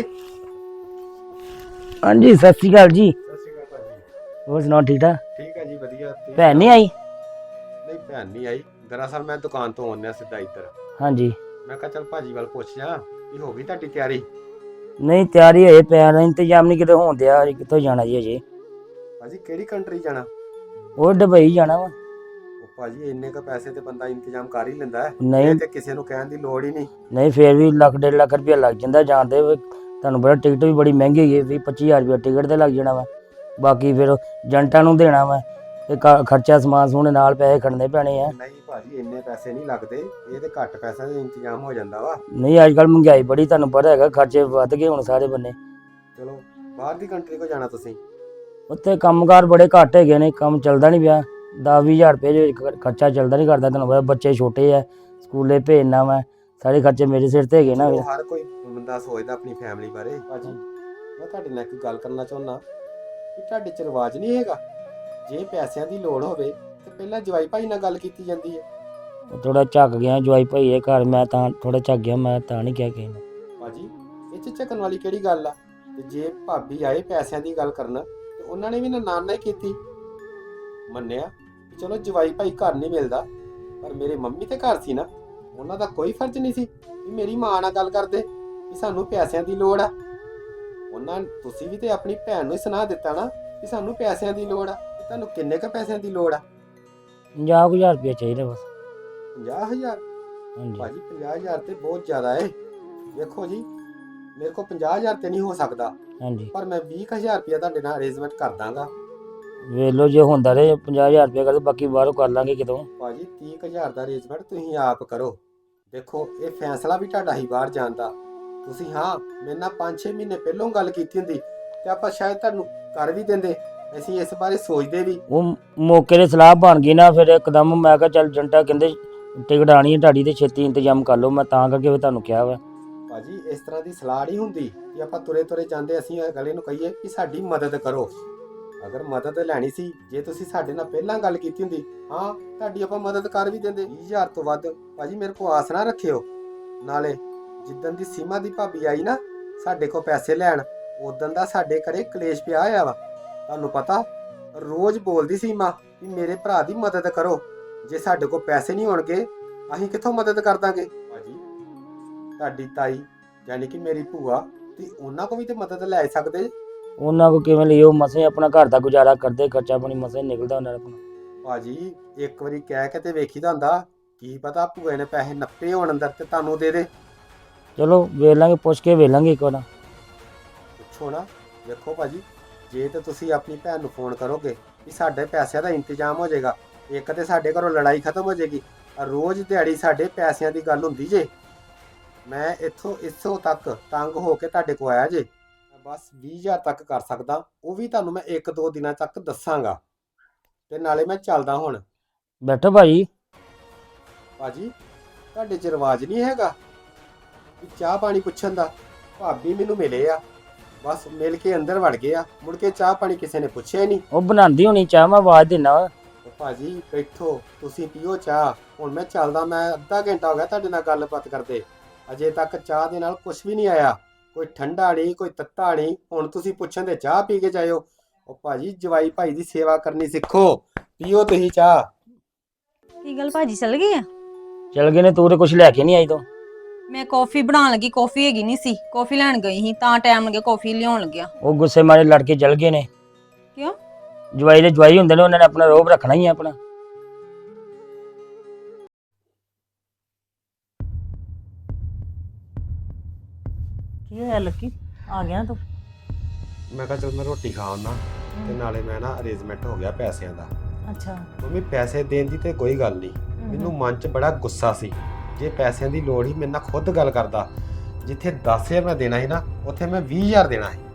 S6: ਹਾਂਜੀ ਸਤਿ ਸ਼੍ਰੀ ਅਕਾਲ ਜੀ।
S7: ਸਤਿ ਸ਼੍ਰੀ ਅਕਾਲ ਭਾਜੀ।
S6: ਹੋਰ ਸੁਣਾਓ ਠੀਕ ਠਾਕ?
S7: ਠੀਕ ਹੈ ਜੀ, ਵਧੀਆ। ਤੁਸੀਂ
S6: ਭੈਣ ਨਹੀਂ ਆਈ?
S7: ਨਹੀਂ ਭੈਣ ਨਹੀਂ ਆਈ, ਦਰਅਸਲ ਮੈਂ ਦੁਕਾਨ ਤੋਂ ਆਉਂਦਿਆ ਸਿੱਧਾ ਇੱਧਰ।
S6: ਹਾਂਜੀ।
S7: ਮੈਂ ਕਿਹਾ ਚੱਲ ਭਾਜੀ ਵੱਲ ਪੁੱਛ ਜਾ ਵੀ ਹੋ ਗਈ ਤੁਹਾਡੀ ਤਿਆਰੀ?
S6: ਨਹੀਂ ਤਿਆਰੀ ਹੋਏ ਪਿਆ ਨਾ, ਇੰਤਜ਼ਾਮ ਨਹੀਂ ਕਿਤੇ ਹੋਣ ਦਿਆ, ਕਿੱਥੋਂ ਜਾਣਾ ਜੀ ਅਜੇ।
S7: ਭਾਜੀ ਕਿਹੜੀ ਕੰਟਰੀ ਜਾਣਾ?
S6: ਉਹ ਦੁਬਈ ਜਾਣਾ ਵਾ।
S7: ਉਹ ਭਾਜੀ ਇੰਨੇ ਕ ਪੈਸੇ ਤੇ ਬੰਦਾ ਇੰਤਜ਼ਾਮ ਕਰ ਹੀ ਲੈਂਦਾ ਹੈ,
S6: ਨਹੀਂ
S7: ਇਹ ਤੇ ਕਿਸੇ ਨੂੰ ਕਹਿਣ ਦੀ ਲੋੜ ਹੀ ਨਹੀਂ।
S6: ਨਹੀਂ ਫੇਰ ਵੀ ਲੱਖ ਡੇਢ ਲੱਖ ਰੁਪਇਆ ਲੱਗ ਜਾਂਦਾ ਜਾਂਦੇ। ਤੁਹਾਨੂੰ ਪਤਾ ਟਿਕਟ ਵੀ ਬੜੀ ਮਹਿੰਗੀ ਹੈਗੀ, ਵੀਹ ਪੱਚੀ ਹਜ਼ਾਰ ਰੁਪਇਆ ਟਿਕਟ ਤੇ ਲੱਗ ਜਾਣਾ ਵਾ। ਬਾਕੀ ਫਿਰ ਏਜੰਟਾਂ ਨੂੰ ਦੇਣਾ ਵਾ ਤੇ ਕ- ਖਰਚਾ ਸਮਾਨ ਸਮੂਨ ਨਾਲ ਪੈਸੇ ਖੜਨੇ ਪੈਣੇ ਆ।
S7: ਨਹੀਂ ਭਾਜੀ ਇੰਨੇ ਪੈਸੇ ਨਹੀਂ ਲੱਗਦੇ, ਇਹ ਤੇ ਘੱਟ ਪੈਸਿਆਂ ਦਾ ਇੰਤਜ਼ਾਮ ਹੋ ਜਾਂਦਾ ਵਾ।
S6: ਨਹੀਂ ਅੱਜ ਕੱਲ ਮਹਿੰਗਾਈ ਬੜੀ, ਤੁਹਾਨੂੰ ਪਤਾ ਹੈਗਾ, ਖਰਚੇ ਵੱਧ ਗਏ ਹੁਣ ਸਾਰੇ ਬੰਨੇ।
S7: ਚਲੋ ਬਾਹਰ ਦੀ ਕੰਟਰੀ ਕੋ ਜਾਣਾ ਤੁਸੀਂ?
S6: ਉੱਥੇ ਕੰਮਕਾਰ ਬੜੇ ਘੱਟ ਹੈਗੇ ਨੇ, ਕੰਮ ਚੱਲਦਾ ਨਹੀਂ ਪਿਆ। ਦਸ ਵੀਹ ਹਜ਼ਾਰ ਰੁਪਏ ਦੇ ਵਿੱਚ ਖਰਚਾ ਚੱਲਦਾ ਨਹੀਂ ਕਰਦਾ। ਤੁਹਾਨੂੰ ਪਤਾ ਬੱਚੇ ਛੋਟੇ ਆ, ਸਕੂਲੇ ਭੇਜਣਾ ਵਾ, ਸਾਰੇ ਖਰਚੇ ਮੇਰੇ ਸਿਰ ਤੇ ਹੈਗੇ ਨਾ।
S7: ਉਹ ਹਰ ਕੋਈ ਬੰਦਾ ਸੋਚਦਾ ਆਪਣੀ ਫੈਮਿਲੀ ਬਾਰੇ। ਭਾਜੀ ਮੈਂ ਤੁਹਾਡੇ ਨਾਲ ਇੱਕ ਗੱਲ ਕਰਨਾ ਚਾਹੁੰਦਾ ਕਿ ਤੁਹਾਡੇ ਚ ਰਿਵਾਜ ਨਹੀਂ ਹੈਗਾ, ਜੇ ਪੈਸਿਆਂ ਦੀ ਲੋੜ ਹੋਵੇ ਤੇ ਪਹਿਲਾਂ ਜਵਾਈ ਭਾਈ ਨਾਲ ਗੱਲ ਕੀਤੀ ਜਾਂਦੀ ਹੈ।
S6: ਥੋੜਾ ਝੱਕ ਗਿਆ ਜਵਾਈ ਭਾਈ ਇਹ ਘਰ, ਮੈਂ ਤਾਂ ਥੋੜਾ ਝੱਕ ਗਿਆ, ਮੈਂ ਤਾਂ ਨਹੀਂ ਕਿਹਾ ਕਿਸੇ ਨੂੰ।
S7: ਭਾਜੀ ਇਹ ਚ ਝਕਣ ਵਾਲੀ ਕਿਹੜੀ ਗੱਲ ਆ? ਤੇ ਜੇ ਭਾਬੀ ਆਏ ਪੈਸਿਆਂ ਦੀ ਗੱਲ ਕਰਨ ਤੇ ਉਹਨਾਂ ਨੇ ਵੀ ਨਾ ਨਾਲ ਹੀ ਕੀਤੀ। ਮੰਨਿਆ ਕਿ ਚਲੋ ਜਵਾਈ ਭਾਈ ਘਰ ਨਹੀਂ ਮਿਲਦਾ, ਪਰ ਮੇਰੇ ਮੰਮੀ ਤੇ ਘਰ ਸੀ ਨਾ, ਉਹਨਾਂ ਦਾ ਕੋਈ ਫਰਜ਼ ਨਹੀਂ ਸੀ ਵੀ ਮੇਰੀ ਮਾਂ ਨਾਲ ਗੱਲ ਕਰਦੇ ਕਿ ਸਾਨੂੰ ਪੈਸਿਆਂ ਦੀ ਲੋੜ ਆ। ਉਹਨਾਂ ਤੁਸੀਂ ਵੀ ਤੇ ਆਪਣੀ ਭੈਣ ਨੂੰ ਹੀ ਸੁਣਾ ਦਿੱਤਾ ਨਾ ਕਿ ਸਾਨੂੰ ਪੈਸਿਆਂ ਦੀ ਲੋੜ ਆ। ਤੇ ਤੁਹਾਨੂੰ ਕਿੰਨੇ ਕ ਪੈਸਿਆਂ ਦੀ ਲੋੜ ਆ?
S6: ਪੰਜਾਹ ਕੁ ਹਜ਼ਾਰ ਰੁਪਇਆ ਚਾਹੀਦਾ ਬਸ।
S7: ਪੰਜਾਹ ਹਜ਼ਾਰ?
S6: ਹਾਂਜੀ
S7: ਭਾਜੀ ਪੰਜਾਹ ਹਜ਼ਾਰ ਤੇ ਬਹੁਤ ਜ਼ਿਆਦਾ ਏ। ਵੇਖੋ ਜੀ, ਮੇਰੇ ਕੋਲ ਪੰਜਾਹ ਹਜ਼ਾਰ ਤੇ ਨਹੀਂ ਹੋ ਸਕਦਾ,
S6: ਹਾਂਜੀ
S7: ਪਰ ਮੈਂ ਵੀਹ ਕੁ ਹਜ਼ਾਰ ਰੁਪਇਆ ਤੁਹਾਡੇ ਨਾਲ ਅਰੇਂਜਮੈਂਟ ਕਰ ਦਾਂਗਾ।
S6: ਵੇਖ ਲਓ ਜੇ ਹੁੰਦਾ ਰਹੇ ਪੰਜਾਹ ਹਜ਼ਾਰ ਰੁਪਇਆ ਕਰਦੇ, ਬਾਕੀ ਬਾਹਰੋਂ ਕਰ ਲਾਂਗੇ ਕਿਤੋਂ।
S7: ਭਾਜੀ ਤੀਹ ਕੁ ਹਜ਼ਾਰ ਦਾ ਅਰੇਂਜਮੈਂਟ ਤੁਸੀਂ ਆਪ ਕਰੋ। ਦੇਖੋ ਇਹ ਫੈਸਲਾ ਵੀ ਤੁਹਾਡਾ ਹੀ ਬਾਹਰ ਜਾਣ ਦਾ। ਤੁਸੀਂ ਹਾਂ ਮੇਰੇ ਨਾਲ ਪੰਜ ਛੇ ਮਹੀਨੇ ਪਹਿਲਾਂ ਗੱਲ ਕੀਤੀ ਹੁੰਦੀ ਤੇ ਆਪਾਂ ਸ਼ਾਇਦ ਤੁਹਾਨੂੰ ਕਰ ਵੀ ਦਿੰਦੇ। ਅਸੀਂ ਇਸ ਬਾਰੇ ਸੋਚਦੇ ਵੀ।
S6: ਉਹ ਮੌਕੇ ਦੀ ਸਲਾਹ ਬਣ ਗਈ ਨਾ, ਫਿਰ ਇੱਕਦਮ ਮੈਂ ਕਿਹਾ ਚੱਲ ਜੰਟਾ ਕਹਿੰਦੇ ਟਿਕਟ ਆਣੀ ਹੈ ਤੁਹਾਡੀ ਤੇ ਛੇਤੀ ਇੰਤਜ਼ਾਮ ਕਰ ਲਓ, ਮੈਂ ਤਾਂ ਕਰਕੇ ਫਿਰ ਤੁਹਾਨੂੰ ਕਿਹਾ ਵਾ।
S7: ਭਾਜੀ ਇਸ ਤਰ੍ਹਾਂ ਦੀ ਸਲਾਹ ਨਹੀਂ ਹੁੰਦੀ ਕਿ ਆਪਾਂ ਤੁਰੇ ਤੁਰੇ ਜਾਂਦੇ ਅਸੀਂ ਅਗਲੇ ਨੂੰ ਕਹੀਏ ਕਿ ਸਾਡੀ ਮਦਦ ਕਰੋ। ਅਗਰ ਮਦਦ ਲੈਣੀ ਸੀ, ਜੇ ਤੁਸੀਂ ਸਾਡੇ ਨਾਲ ਪਹਿਲਾਂ ਗੱਲ ਕੀਤੀ ਹੁੰਦੀ, ਹਾਂ ਤੁਹਾਡੀ ਆਪਾਂ ਮਦਦ ਕਰ ਵੀ ਦਿੰਦੇ। ਵੀਹ ਹਜ਼ਾਰ ਤੋਂ ਵੱਧ ਭਾਜੀ ਮੇਰੇ ਕੋਲ ਆਸ ਨਾ ਰੱਖਿਓ। ਨਾਲੇ ਜਿੱਦਣ ਦੀ ਸੀਮਾ ਦੀ ਭਾਬੀ ਆਈ ਨਾ ਸਾਡੇ ਕੋਲ ਪੈਸੇ ਲੈਣ, ਉਦੋਂ ਦਾ ਸਾਡੇ ਘਰੇ ਕਲੇਸ਼ ਪਿਆ ਹੋਇਆ ਵਾ। ਤੁਹਾਨੂੰ ਪਤਾ ਰੋਜ਼ ਬੋਲਦੀ ਸੀਮਾ ਕਿ ਮੇਰੇ ਭਰਾ ਦੀ ਮਦਦ ਕਰੋ, ਜੇ ਸਾਡੇ ਕੋਲ ਪੈਸੇ ਨਹੀਂ ਹੋਣਗੇ ਅਸੀਂ ਕਿੱਥੋਂ ਮਦਦ ਕਰ ਦਾਂਗੇ। ਭਾਜੀ ਤੁਹਾਡੀ ਤਾਈ ਯਾਨੀ ਕਿ ਮੇਰੀ ਭੂਆ, ਤੇ ਉਹਨਾਂ ਕੋਲ ਵੀ ਤੇ ਮਦਦ ਲੈ ਸਕਦੇ।
S6: ਉਹਨਾਂ ਕੋ ਕਿਵੇਂ ਲਈ, ਉਹ ਮਸੇ ਆਪਣਾ ਘਰ ਦਾ ਗੁਜ਼ਾਰਾ ਕਰਦੇ, ਖਰਚਾ ਪਾਣੀ ਮਸੇ ਨਿਕਲਦਾ ਉਹਨਾਂ ਦਾ ਆਪਣਾ।
S7: ਭਾਜੀ ਇੱਕ ਵਾਰੀ ਕਹਿ ਕੇ ਤੇ ਵੇਖੀਦਾ ਹੁੰਦਾ, ਕੀ ਪਤਾ ਭੂਏ ਨੇ ਪੈਸੇ ਨੱਪੇ ਹੋਣ ਅੰਦਰ ਤੇ ਤੁਹਾਨੂੰ ਦੇ ਦੇ।
S6: ਚਲੋ ਵੇਖ ਲਾਂਗੇ, ਪੁੱਛ ਕੇ ਵੇਖ ਲਾਂਗੇ ਇੱਕ ਵਾਰ।
S7: ਪੁੱਛੋ ਨਾ। ਵੇਖੋ ਭਾਜੀ ਜੇ ਤੇ ਤੁਸੀਂ ਆਪਣੀ ਭੈਣ ਨੂੰ ਫੋਨ ਕਰੋਗੇ ਕਿ ਸਾਡੇ ਪੈਸਿਆਂ ਦਾ ਇੰਤਜ਼ਾਮ ਹੋ ਜਾਏਗਾ, ਇੱਕ ਤੇ ਸਾਡੇ ਘਰੋਂ ਲੜਾਈ ਖਤਮ ਹੋ ਜਾਏਗੀ। ਰੋਜ਼ ਦਿਹਾੜੀ ਸਾਡੇ ਪੈਸਿਆਂ ਦੀ ਗੱਲ ਹੁੰਦੀ ਜੇ। ਮੈਂ ਇੱਥੋਂ ਇੱਥੋਂ ਤੱਕ ਤੰਗ ਹੋ ਕੇ ਤੁਹਾਡੇ ਕੋਲ ਆਇਆ ਜੇ। ਬਸ ਵੀਹ ਹਜ਼ਾਰ ਤੱਕ ਕਰ ਸਕਦਾ, ਉਹ ਵੀ ਤੁਹਾਨੂੰ ਮੈਂ ਇੱਕ ਦੋ ਦਿਨਾਂ ਤੱਕ ਦੱਸਾਂਗਾ। ਤੇ ਨਾਲੇ ਮੈਂ ਚੱਲਦਾ ਹੁਣ।
S6: ਬੈਠੋ ਭਾਜੀ।
S7: ਭਾਜੀ ਤੁਹਾਡੇ 'ਚ ਰਿਵਾਜ ਨਹੀਂ ਹੈਗਾ ਕਿ ਚਾਹ ਪਾਣੀ ਪੁੱਛਣ ਦਾ? ਭਾਬੀ ਮੈਨੂੰ ਮਿਲੇ ਆ, ਬਸ ਮਿਲ ਕੇ ਅੰਦਰ ਵੜ ਗਏ ਆ, ਮੁੜ ਕੇ ਚਾਹ ਪਾਣੀ ਕਿਸੇ ਨੇ ਪੁੱਛਿਆ ਹੀ ਨਹੀਂ।
S6: ਉਹ ਬਣਾਉਂਦੀ ਹੋਣੀ ਚਾਹ, ਮੈਂ ਆਵਾਜ਼ ਦੇਣਾ ਵਾ।
S7: ਭਾਜੀ ਬੈਠੋ, ਤੁਸੀਂ ਪੀਓ ਚਾਹ। ਹੁਣ ਮੈਂ ਚੱਲਦਾ, ਮੈਂ ਅੱਧਾ ਘੰਟਾ ਹੋ ਗਿਆ ਤੁਹਾਡੇ ਨਾਲ ਗੱਲਬਾਤ ਕਰਦੇ, ਅਜੇ ਤੱਕ ਚਾਹ ਦੇ ਨਾਲ ਕੁਝ ਵੀ ਨਹੀਂ ਆਇਆ। ਕੋਈ ਠੰਡਾ ਨਹੀਂ, ਕੋਈ ਤੱਤਾ ਨਹੀਂ। ਹੁਣ ਤੁਸੀਂ ਪੁੱਛਣ ਦੇ ਚਾਹ ਪੀ ਕੇ ਜਾਇਓ। ਉਹ ਭਾਜੀ ਜਵਾਈ ਭਾਈ ਦੀ ਸੇਵਾ ਕਰਨੀ ਸਿੱਖੋ। ਪੀਓ ਤੁਸੀਂ ਚਾਹ।
S5: ਕੀ ਗੱਲ ਭਾਜੀ ਚੱਲ ਗਏ ਆ?
S6: ਚਲ ਗਏ ਨੇ, ਤੂੰ ਤੇ ਕੁਝ ਲੈ ਕੇ ਨਹੀਂ ਆਈ ਤੂੰ।
S5: ਮੈਂ ਕਾਫੀ ਬਣਾਉਣ ਲੱਗੀ, ਕਾਫੀ ਹੈਗੀ ਨਹੀਂ ਸੀ, ਕਾਫੀ ਲੈਣ ਗਈ ਸੀ ਤਾਂ ਟਾਈਮ ਲੱਗਿਆ ਕਾਫੀ ਲਿਆਉਣ ਲੱਗਿਆ।
S6: ਉਹ ਗੁੱਸੇ ਮਾਰੇ ਲੜ ਕੇ ਚਲ ਗਏ ਨੇ।
S5: ਕਿਉਂ?
S6: ਜਵਾਈ ਦੇ ਜਵਾਈ ਹੁੰਦੇ ਨੇ, ਉਹਨਾਂ ਨੇ ਆਪਣਾ ਰੋਬ ਰੱਖਣਾ ਹੀ ਆ ਆਪਣਾ।
S2: ਕੀ ਹੋਇਆ ਲੱਕੀ, ਆ ਗਿਆ ਤੂੰ?
S7: ਮੈਂ ਕਿਹਾ ਚਲ ਮੈਂ ਰੋਟੀ ਖਾ ਆਉਣਾ, ਤੇ ਨਾਲੇ ਮੈਂ ਨਾ ਅਰੇਂਜਮੈਂਟ ਹੋ ਗਿਆ ਪੈਸਿਆਂ ਦਾ।
S2: ਅੱਛਾ।
S7: ਮੰਮੀ ਪੈਸੇ ਦੇਣ ਦੀ ਤੇ ਕੋਈ ਗੱਲ ਨਹੀਂ, ਮੈਨੂੰ ਮਨ 'ਚ ਬੜਾ ਗੁੱਸਾ ਸੀ। ਜੇ ਪੈਸਿਆਂ ਦੀ ਲੋੜ ਹੀ ਮੇਰੇ ਨਾਲ ਖੁਦ ਗੱਲ ਕਰਦਾ। ਜਿੱਥੇ ਦਸ ਹਜ਼ਾਰ ਮੈਂ ਦੇਣਾ ਸੀ ਨਾ, ਉੱਥੇ ਮੈਂ ਵੀਹ ਹਜ਼ਾਰ ਦੇਣਾ ਸੀ।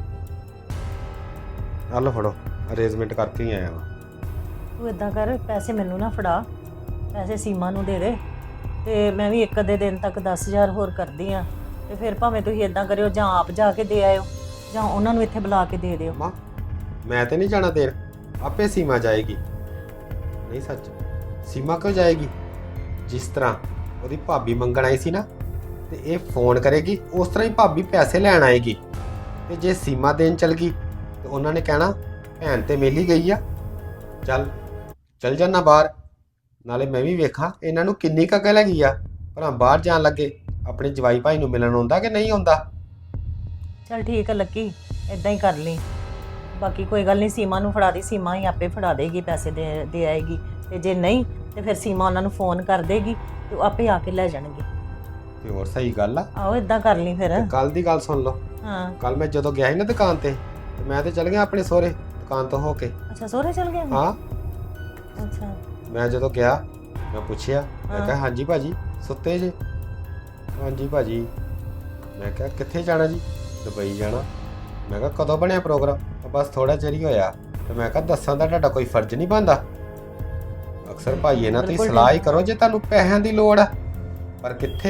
S7: ਆ ਲਓ ਫੜੋ, ਅਰੇਂਜਮੈਂਟ ਕਰਕੇ ਹੀ ਆਇਆ ਵਾਂ।
S2: ਤੂੰ ਇਦਾਂ ਕਰ, ਪੈਸੇ ਮੈਨੂੰ ਨਾ ਫੜਾ, ਪੈਸੇ ਸੀਮਾ ਨੂੰ ਦੇ ਦੇ, ਤੇ ਮੈਂ ਵੀ ਇੱਕ ਅੱਧੇ ਦਿਨ ਤੱਕ ਦਸ ਹਜ਼ਾਰ ਹੋਰ ਕਰਦੀ ਆ। ਤੇ ਫਿਰ ਭਾਵੇਂ ਤੁਸੀਂ ਇਦਾਂ ਕਰਿਓ, ਜਾਂ ਆਪ ਜਾ ਕੇ ਦੇ ਆਇਓ, ਜਾਂ ਉਹਨਾਂ ਨੂੰ ਇੱਥੇ ਬੁਲਾ ਕੇ ਦੇ ਦਿਓ।
S7: ਮਾਂ ਮੈਂ ਤੇ ਨਹੀਂ ਜਾਣਾ ਦੇਣ, ਆਪੇ ਸੀਮਾ ਜਾਏਗੀ। ਨਹੀਂ ਸੱਚ, ਸੀਮਾ ਕਿਉਂ ਜਾਏਗੀ? ਜਿਸ ਤਰ੍ਹਾਂ ਉਹਦੀ ਭਾਬੀ ਮੰਗਣ ਆਈ ਸੀ ਨਾ, ਤੇ ਇਹ ਫੋਨ ਕਰੇਗੀ, ਉਸ ਤਰ੍ਹਾਂ ਹੀ ਭਾਬੀ ਪੈਸੇ ਲੈਣ ਆਏਗੀ। ਤੇ ਜੇ ਸੀਮਾ ਦੇਣ ਚਲ ਗਈ ਤੇ ਉਹਨਾਂ ਨੇ ਕਹਿਣਾ ਭੈਣ ਤੇ ਮਿਲ ਹੀ ਗਈ ਆ, ਚੱਲ ਚੱਲ ਜਾਣਾ ਬਾਹਰ। ਨਾਲੇ ਮੈਂ ਵੀ ਵੇਖਾਂ ਇਹਨਾਂ ਨੂੰ ਕਿੰਨੀ ਕੁ ਅਕਲ ਹੈਗੀ ਆ, ਭਲਾ ਬਾਹਰ ਜਾਣ ਲੱਗੇ ਆਪਣੇ ਜਵਾਈ ਭਾਈ ਨੂੰ ਮਿਲਣ ਆਉਂਦਾ ਕਿ ਨਹੀਂ ਆਉਂਦਾ।
S2: ਚਲ ਠੀਕ ਹੈ ਲੱਕੀ, ਇਦਾਂ ਹੀ ਕਰ ਲਈ। ਬਾਕੀ ਕੋਈ ਗੱਲ ਨਹੀਂ, ਸੀਮਾ ਨੂੰ ਫੜਾ ਦੀ, ਸੀਮਾ ਹੀ ਆਪੇ ਫੜਾ ਦੇਗੀ, ਪੈਸੇ ਦੇ ਦੇ ਆਏਗੀ। ਤੇ ਜੇ ਨਹੀਂ ਤੇ ਫਿਰ ਸੀਮਾ ਉਹਨਾਂ ਨੂੰ ਫੋਨ ਕਰ ਦੇਗੀ ਤੇ ਉਹ ਆਪੇ ਆ ਕੇ ਲੈ ਜਾਣਗੇ।
S7: ਤੇ ਹੋਰ ਸਹੀ ਗੱਲ ਆ।
S2: ਆਹੋ ਇਦਾਂ ਕਰ ਲਈ ਫਿਰ।
S7: ਕੱਲ ਦੀ ਗੱਲ ਸੁਣ ਲਓ।
S2: ਹਾਂ।
S7: ਕੱਲ ਮੈਂ ਜਦੋਂ ਗਿਆ ਸੀ ਨਾ ਦੁਕਾਨ ਤੇ, ਤੇ ਮੈਂ ਤੇ ਚਲ ਗਿਆ ਆਪਣੇ ਸਹੁਰੇ ਦੁਕਾਨ ਤੋਂ ਹੋ ਕੇ।
S2: ਅੱਛਾ, ਸਹੁਰੇ ਚਲ ਗਿਆ?
S7: ਹਾਂ।
S2: ਅੱਛਾ।
S7: ਮੈਂ ਜਦੋਂ ਗਿਆ ਮੈਂ ਪੁੱਛਿਆ, ਮੈਂ ਕਿਹਾ ਹਾਂਜੀ ਭਾਜੀ ਸੁੱਤੇ ਜੇ? ਹਾਂਜੀ ਭਾਜੀ। ਮੈਂ ਕਿਹਾ ਕਿੱਥੇ ਜਾਣਾ ਜੀ? ਦੁਬਈ ਜਾਣਾ। ਮੈਂ ਕਿਹਾ ਕਦੋਂ ਬਣਿਆ ਪ੍ਰੋਗਰਾਮ? ਬਸ ਥੋੜਾ ਚਿਰ ਹੀ ਹੋਇਆ। ਤੇ ਮੈਂ ਕਿਹਾ ਦੱਸਾਂ ਦਾ ਤੁਹਾਡਾ ਕੋਈ ਫਰਜ਼ ਨਹੀਂ ਬਣਦਾ? ਅਕਸਰ ਭਾਈ ਇਹਨਾਂ ਤੁਸੀਂ ਸਲਾਹ ਹੀ ਕਰੋ ਜੇ ਤੁਹਾਨੂੰ ਪੈਸਿਆਂ ਦੀ ਲੋੜ ਆ, ਪਰ ਕਿੱਥੇ।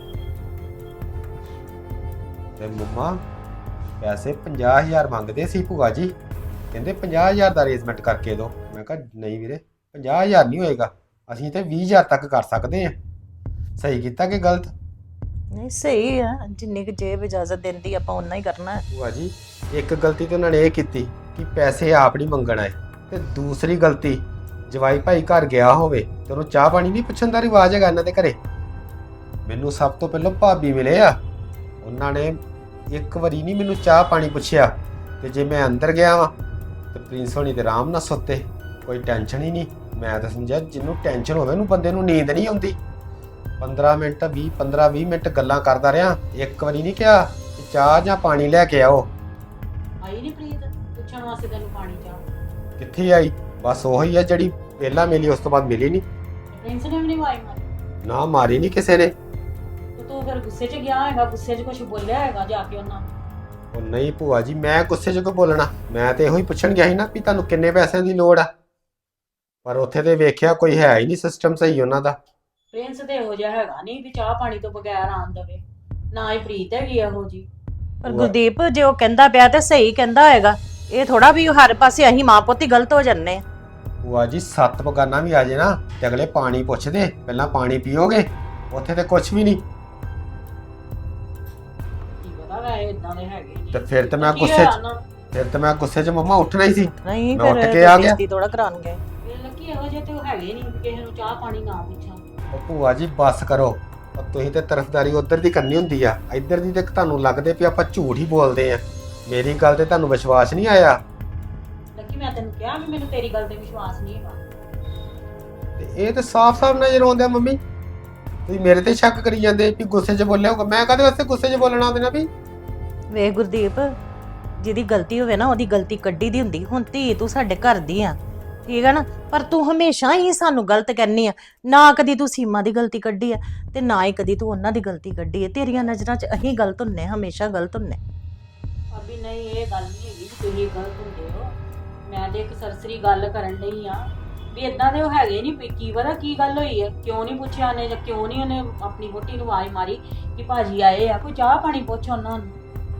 S7: ਤੇ ਮੰਮਾ ਪੈਸੇ ਪੰਜਾਹ ਹਜ਼ਾਰ ਮੰਗਦੇ ਸੀ ਭੂਆ ਜੀ, ਕਹਿੰਦੇ ਪੰਜਾਹ ਹਜ਼ਾਰ ਦਾ ਅਰੇਂਜਮੈਂਟ ਕਰਕੇ ਦਿਓ। ਮੈਂ ਕਿਹਾ ਨਹੀਂ ਵੀਰੇ, ਪੰਜਾਹ ਹਜ਼ਾਰ ਨਹੀਂ ਹੋਏਗਾ, ਅਸੀਂ ਤੇ ਵੀਹ ਹਜ਼ਾਰ ਤੱਕ ਕਰ ਸਕਦੇ ਹਾਂ। ਸਹੀ ਕੀਤਾ ਕਿ ਗਲਤ?
S2: ਨਹੀਂ ਸਹੀ ਆ, ਜਿੰਨੀ ਕੁ ਜੇਬ ਇਜਾਜ਼ਤ ਦਿੰਦੀ ਆਪਾਂ ਉਨਾ ਹੀ ਕਰਨਾ ਹੈ।
S7: ਭੂਆ ਜੀ ਇੱਕ ਗਲਤੀ ਤਾਂ ਉਹਨਾਂ ਨੇ ਇਹ ਕੀਤੀ ਕਿ ਪੈਸੇ ਆਪ ਨਹੀਂ ਮੰਗਣ ਆਏ, ਤੇ ਦੂਸਰੀ ਗਲਤੀ ਜਵਾਈ ਭਾਈ ਘਰ ਗਿਆ ਹੋਵੇ ਤੇ ਉਹਨੂੰ ਚਾਹ ਪਾਣੀ ਨਹੀਂ ਪੁੱਛਣ ਦਾ ਰਿਵਾਜ ਹੈਗਾ ਇਹਨਾਂ ਦੇ ਘਰੇ। ਮੈਨੂੰ ਸਭ ਤੋਂ ਪਹਿਲਾਂ ਭਾਬੀ ਮਿਲੇ ਆ, ਉਹਨਾਂ ਨੇ ਇੱਕ ਵਾਰੀ ਨਹੀਂ ਮੈਨੂੰ ਚਾਹ ਪਾਣੀ ਪੁੱਛਿਆ। ਤੇ ਜੇ ਮੈਂ ਅੰਦਰ ਗਿਆ ਵਾਂ ਤੇ ਪ੍ਰਿੰਸ ਹੋਣੀ ਤੇ ਆਰਾਮ ਨਾਲ ਸੁੱਤੇ, ਕੋਈ ਟੈਨਸ਼ਨ ਹੀ ਨਹੀਂ। ਮੈਂ ਤਾਂ ਸਮਝਿਆ ਜਿਹਨੂੰ ਟੈਨਸ਼ਨ ਹੋਵੇ ਉਹਨੂੰ ਬੰਦੇ ਨੂੰ ਨੀਂਦ ਨਹੀਂ ਆਉਂਦੀ। ਪੰਦਰਾਂ ਮਿੰਟ ਵੀਹ ਪੰਦਰਾਂ ਵੀਹ ਮਿੰਟ ਗੱਲਾਂ ਕਰਦਾ ਰਿਹਾ, ਇੱਕ ਵਾਰੀ ਨਹੀਂ ਕਿਹਾ ਕਿ ਚਾਹ ਜਾਂ ਪਾਣੀ ਲੈ ਕੇ ਆਓ।
S4: ਆਈ ਨਹੀਂ ਪ੍ਰੀਤ ਪੁੱਛਣ ਵਾਸਤੇ ਤੈਨੂੰ ਪਾਣੀ ਚਾਹ?
S7: ਕਿੱਥੇ ਆਈ? ਬਸ ਉਹੀ ਆ ਜਿਹੜੀ ਪਹਿਲਾਂ ਮਿਲੀ, ਉਸ ਤੋਂ ਬਾਅਦ ਮਿਲੀ ਨਹੀਂ।
S4: ਪ੍ਰਿੰਸ ਨੇ ਵੀ ਨਹੀਂ ਆਵਾਜ਼ ਮਾਰੀ?
S7: ਨਾ ਮਾਰੀ ਨਹੀਂ ਕਿਸੇ ਨੇ।
S4: ਤੇ ਤੂੰ ਫਿਰ ਗੁੱਸੇ 'ਚ ਗਿਆ ਹੈਗਾ, ਗੁੱਸੇ 'ਚ ਕੁਝ ਬੋਲਿਆ ਹੈਗਾ ਜਾ ਕੇ ਉਹਨਾਂ ਨੂੰ?
S7: ਉਹ ਨਹੀਂ ਭੂਆ ਜੀ, ਮੈਂ ਗੁੱਸੇ 'ਚ ਕਿਉਂ ਬੋਲਣਾ? ਮੈਂ ਤੇ ਇਹੋ ਹੀ ਪੁੱਛਣ ਗਿਆ ਸੀ ਨਾ ਵੀ ਤੁਹਾਨੂੰ ਕਿੰਨੇ ਪੈਸਿਆਂ ਦੀ ਲੋੜ ਆ। ਪਰ ਉੱਥੇ ਤੇ ਵੇਖਿਆ ਕੋਈ ਹੈ ਹੀ ਨਹੀਂ ਸਿਸਟਮ ਸਹੀ ਉਹਨਾਂ ਦਾ।
S4: ਪ੍ਰਿੰਸ ਤੇ ਇਹੋ ਜਿਹਾ ਹੈਗਾ ਨਹੀਂ ਵੀ ਚਾਹ ਪਾਣੀ ਤੋਂ ਬਗੈਰ ਆਣ ਦਵੇ, ਨਾ ਹੀ ਪ੍ਰੀਤ ਹੈਗੀ ਇਹੋ ਜੀ।
S1: ਪਰ ਗੁਰਦੀਪ ਜੇ ਉਹ ਕਹਿੰਦਾ ਪਿਆ ਤੇ ਸਹੀ ਕਹਿੰਦਾ ਹੋਏਗਾ, ਇਹ ਥੋੜਾ ਵੀ ਹਰ ਪਾਸੇ ਅਸੀਂ ਮਾਂ ਪੁੱਤ ਹੀ ਗਲਤ ਹੋ ਜੰਨੇ ਆ।
S7: ਭੂਆ ਜੀ ਸੱਤ ਬਗਾਨਾ ਵੀ ਆ ਜੇ ਨਾ ਤੇ ਅਗਲੇ ਪਾਣੀ ਪੁੱਛਦੇ, ਪਹਿਲਾਂ ਪਾਣੀ ਪੀਓਗੇ? ਉੱਥੇ ਤੇ ਕੁਝ ਵੀ ਨਹੀਂ।
S4: ਕੀ ਪਤਾ ਵੈ ਇਦਾਂ ਦੇ ਹੈਗੇ ਜੀ।
S7: ਤੇ ਫਿਰ ਤੇ ਮੈਂ
S4: ਕੀ
S7: ਗੁੱਸੇ
S4: ਹੋਇਆ
S7: 'ਚ
S4: ਉਹਨਾਂ ਨੂੰ?
S7: ਫਿਰ ਤੇ ਮੈਂ ਗੁੱਸੇ 'ਚ ਮੰਮਾ ਉੱਠਣਾ ਹੀ ਸੀ।
S1: ਨਹੀਂ
S7: ਮੈਂ ਉੱਠ
S1: ਫਿਰ
S7: ਕੇ ਆ ਗਿਆ।
S1: ਬੇਇੱਜ਼ਤੀ ਥੋੜਾ ਕਰਾਣਗੇ।
S4: ਇਹ ਲੱਕੀ ਇਹੋ ਜਿਹੇ ਤੇ ਉਹ ਹੈਗੇ ਨਹੀਂ ਕਿਸੇ ਨੂੰ ਚਾਹ ਪਾਣੀ ਨਾ ਪੁੱਛਾਂ।
S7: ਉਹ ਭੂਆ ਜੀ ਬੱਸ ਕਰੋ। ਉਹ ਤੁਸੀਂ ਤੇ ਤਰਫਦਾਰੀ ਉਧਰ ਦੀ ਕਰਨੀ ਹੁੰਦੀ ਆ, ਇੱਧਰ ਦੀ ਤੇ ਤੁਹਾਨੂੰ ਲੱਗਦੇ ਵੀ ਆਪਾਂ ਝੂਠ ਹੀ ਬੋਲਦੇ ਆ। ਮੇਰੀ ਗੱਲ ਤੇ ਤੁਹਾਨੂੰ ਵਿਸ਼ਵਾਸ ਨਹੀਂ ਆਇਆ।
S4: ਲੱਕੀ ਮੈਂ ਤੈਨੂੰ ਕਿਹਾ ਵੀ ਮੈਨੂੰ ਤੇਰੀ ਗੱਲ ਤੇ ਵਿਸ਼ਵਾਸ ਨਹੀਂ ਹੈਗਾ।
S7: ਤੇ ਇਹ ਤੇ ਸਾਫ਼-ਸਾਫ਼ ਨਜ਼ਰ ਆਉਂਦਾ ਮੰਮੀ। ਤੁਸੀਂ ਮੇਰੇ ਤੇ ਸ਼ੱਕ ਕਰੀ ਜਾਂਦੇ ਵੀ ਗੁੱਸੇ 'ਚ ਬੋਲਿਆ ਹੋਊਗਾ। ਮੈਂ ਕਾਹਦੇ ਵਾਸਤੇ ਗੁੱਸੇ 'ਚ ਬੋਲਣਾ ਉਹਦੇ ਨਾਲ ਵੀ?
S1: ਵੇਖ ਗੁਰਦੀਪ, ਜਿਹਦੀ ਗਲਤੀ ਹੋਵੇ ਨਾ ਉਹਦੀ ਗਲਤੀ ਕੱਢੀ ਦੀ ਹੁੰਦੀ। ਹੁਣ ਧੀ ਤੂੰ ਸਾਡੇ ਘਰ ਦੀ ਆ, ਠੀਕ ਹੈ ਨਾ, ਪਰ ਤੂੰ ਹਮੇਸ਼ਾ ਹੀ ਸਾਨੂੰ ਗਲਤ ਕਹਿੰਨੀ ਆ। ਨਾ ਕਦੀ ਤੂੰ ਸੀਮਾ ਦੀ ਗਲਤੀ ਕੱਢੀ ਆ ਤੇ ਨਾ ਹੀ ਕਦੀ ਤੂੰ ਉਹਨਾਂ ਦੀ ਗਲਤੀ ਕੱਢੀ ਹੈ। ਤੇਰੀਆਂ ਨਜ਼ਰਾਂ 'ਚ ਅਸੀਂ ਗਲਤ ਹੁੰਨੇ, ਹਮੇਸ਼ਾ ਗਲਤ ਹੁੰਨੇ।
S4: ਭਾਬੀ ਨਹੀਂ, ਇਹ ਗੱਲ ਨਹੀਂ ਹੈਗੀ ਕਿ ਤੁਸੀਂ ਗਲਤ ਹੁੰਦੇ ਹੋ। ਮੈਂ ਤੇ ਇੱਕ ਸਰਸਰੀ ਗੱਲ ਕਰਨ ਲਈ ਆ ਵੀ ਇਦਾਂ ਦੇ ਉਹ ਹੈਗੇ ਨਹੀਂ। ਕੀ ਪਤਾ ਕੀ ਗੱਲ ਹੋਈ ਹੈ, ਕਿਉਂ ਨਹੀਂ ਪੁੱਛਿਆ ਨੇ ਜਾਂ ਕਿਉਂ ਨਹੀਂ ਉਹਨੇ ਆਪਣੀ ਵਹੁਟੀ ਨੂੰ ਆਵਾਜ਼ ਮਾਰੀ ਕਿ ਭਾਜੀ ਆਏ ਆ, ਕੋਈ ਚਾਹ ਪਾਣੀ ਪੁੱਛ ਉਹਨਾਂ ਨੂੰ।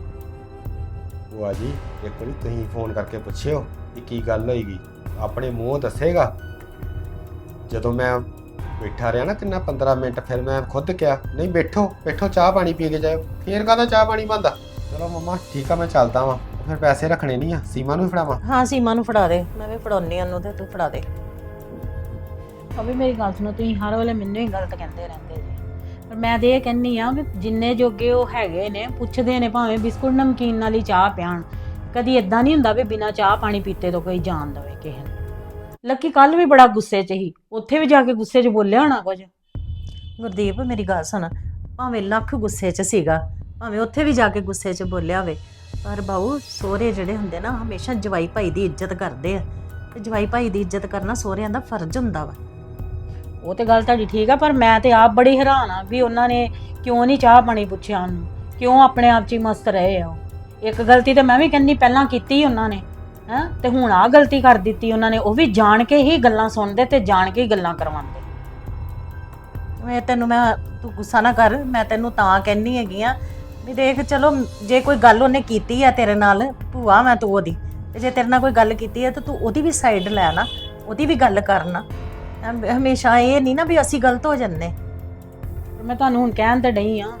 S7: ਭੂਆ ਜੀ ਇੱਕ ਵਾਰੀ ਤੁਸੀਂ ਫੋਨ ਕਰਕੇ ਪੁੱਛਿਓ ਕਿ ਕੀ ਗੱਲ ਹੋਈਗੀ, ਆਪਣੇ ਮੂੰਹ ਦੱਸੇਗਾ। ਜਦੋਂ ਮੈਂ ਬੈਠਾ ਰਿਹਾ ਨਾ ਕਿੰਨਾ ਪੰਦਰਾਂ ਮਿੰਟ, ਫਿਰ ਮੈਂ ਖੁਦ ਕਿਹਾ ਨਹੀਂ ਬੈਠੋ ਬੈਠੋ ਚਾਹ ਪਾਣੀ ਪੀ ਕੇ ਜਾਓ। ਫੇਰ ਕਾਹਦਾ ਚਾਹ ਪਾਣੀ ਬਣਦਾ? ਚਲੋ ਮੰਮਾ ਠੀਕ ਆ, ਮੈਂ ਚੱਲਦਾ ਵਾਂ। ਫਿਰ ਪੈਸੇ ਰੱਖਣੇ ਨਹੀਂ ਆ, ਸੀਮਾ ਨੂੰ ਵੀ ਫੜਾਵਾਂ?
S1: ਹਾਂ ਸੀਮਾ ਨੂੰ ਫੜਾ ਦੇ, ਮੈਂ ਵੀ ਫੜਾਉਣੀ ਉਹਨੂੰ ਤੇ ਤੂੰ ਫੜਾ ਦੇ।
S4: ਭਾਬੀ ਮੇਰੀ ਗੱਲ ਸੁਣੋ, ਤੁਸੀਂ ਹਰ ਵੇਲੇ ਮੈਨੂੰ ਹੀ ਗਲਤ ਕਹਿੰਦੇ ਰਹਿੰਦੇ ਜੀ। ਪਰ ਮੈਂ ਤੇ ਇਹ ਕਹਿੰਨੀ ਆ ਵੀ ਜਿੰਨੇ ਜੋਗੇ ਉਹ ਹੈਗੇ ਨੇ ਪੁੱਛਦੇ ਨੇ, ਭਾਵੇਂ ਬਿਸਕੁਟ ਨਮਕੀਨ ਨਾਲ ਹੀ ਚਾਹ ਪਿਆਣ। ਕਦੀ ਇਦਾਂ ਨਹੀਂ ਹੁੰਦਾ ਵੀ ਬਿਨਾਂ ਚਾਹ ਪਾਣੀ ਪੀਤੇ ਤੋਂ ਕੋਈ ਜਾਣ ਦਵੇ ਕਿਸੇ ਨੂੰ। ਲੱਕੀ ਕੱਲ ਵੀ ਬੜਾ ਗੁੱਸੇ 'ਚ ਸੀ, ਉੱਥੇ ਵੀ ਜਾ ਕੇ ਗੁੱਸੇ 'ਚ ਬੋਲਿਆ ਹੋਣਾ ਕੁਝ।
S1: ਗੁਰਦੀਪ ਮੇਰੀ ਗੱਲ ਸੁਣ, ਭਾਵੇਂ ਲੱਖ ਗੁੱਸੇ 'ਚ ਸੀਗਾ, ਭਾਵੇਂ ਉੱਥੇ ਵੀ ਜਾ ਕੇ ਗੁੱਸੇ 'ਚ ਬੋਲਿਆ ਹੋਵੇ, ਪਰ ਬਾਊ ਸਹੁਰੇ ਜਿਹੜੇ ਹੁੰਦੇ ਨਾ ਹਮੇਸ਼ਾ ਜਵਾਈ ਭਾਈ ਦੀ ਇੱਜ਼ਤ ਕਰਦੇ ਆ। ਤੇ ਜਵਾਈ ਭਾਈ ਦੀ ਇੱਜ਼ਤ ਕਰਨਾ ਸਹੁਰਿਆਂ ਦਾ ਫਰਜ਼ ਹੁੰਦਾ ਵਾ।
S4: ਉਹ ਤੇ ਗੱਲ ਤੁਹਾਡੀ ਠੀਕ ਆ, ਪਰ ਮੈਂ ਤੇ ਆਪ ਬੜੀ ਹੈਰਾਨ ਆ ਵੀ ਉਹਨਾਂ ਨੇ ਕਿਉਂ ਨਹੀਂ ਚਾਹ ਪਾਣੀ ਪੁੱਛਿਆ ਉਹਨੂੰ, ਕਿਉਂ ਆਪਣੇ ਆਪ 'ਚ ਹੀ ਮਸਤ ਰਹੇ ਆ। ਇੱਕ ਗਲਤੀ ਤੇ ਮੈਂ ਵੀ ਕਹਿੰਦੀ ਪਹਿਲਾਂ ਕੀਤੀ ਉਹਨਾਂ ਨੇ, ਹੈਂ, ਤੇ ਹੁਣ ਆਹ ਗਲਤੀ ਕਰ ਦਿੱਤੀ ਉਹਨਾਂ ਨੇ। ਉਹ ਵੀ ਜਾਣ ਕੇ ਹੀ ਗੱਲਾਂ ਸੁਣਦੇ ਤੇ ਜਾਣ ਕੇ ਹੀ ਗੱਲਾਂ ਕਰਵਾਉਂਦੇ।
S1: ਮੈਂ ਤੈਨੂੰ ਮੈਂ ਤੂੰ ਗੁੱਸਾ ਨਾ ਕਰ, ਮੈਂ ਤੈਨੂੰ ਤਾਂ ਕਹਿੰਨੀ ਹੈਗੀ ਆ ਵੀ ਦੇਖ, ਚਲੋ ਜੇ ਕੋਈ ਗੱਲ ਉਹਨੇ ਕੀਤੀ ਆ ਤੇਰੇ ਨਾਲ, ਭੂਆ ਮੈਂ ਤੂੰ ਉਹਦੀ, ਤੇ ਜੇ ਤੇਰੇ ਨਾਲ ਕੋਈ ਗੱਲ ਕੀਤੀ ਹੈ ਤਾਂ ਤੂੰ ਉਹਦੀ ਵੀ ਸਾਈਡ ਲੈ ਨਾ, ਉਹਦੀ ਵੀ ਗੱਲ ਕਰਨਾ। ਹਮੇਸ਼ਾ ਇਹ ਨਹੀਂ ਨਾ ਵੀ ਅਸੀਂ ਗਲਤ ਹੋ ਜੰਨੇ।
S4: ਮੈਂ ਤੁਹਾਨੂੰ ਹੁਣ ਕਹਿਣ ਤੇ ਡਈ ਆ।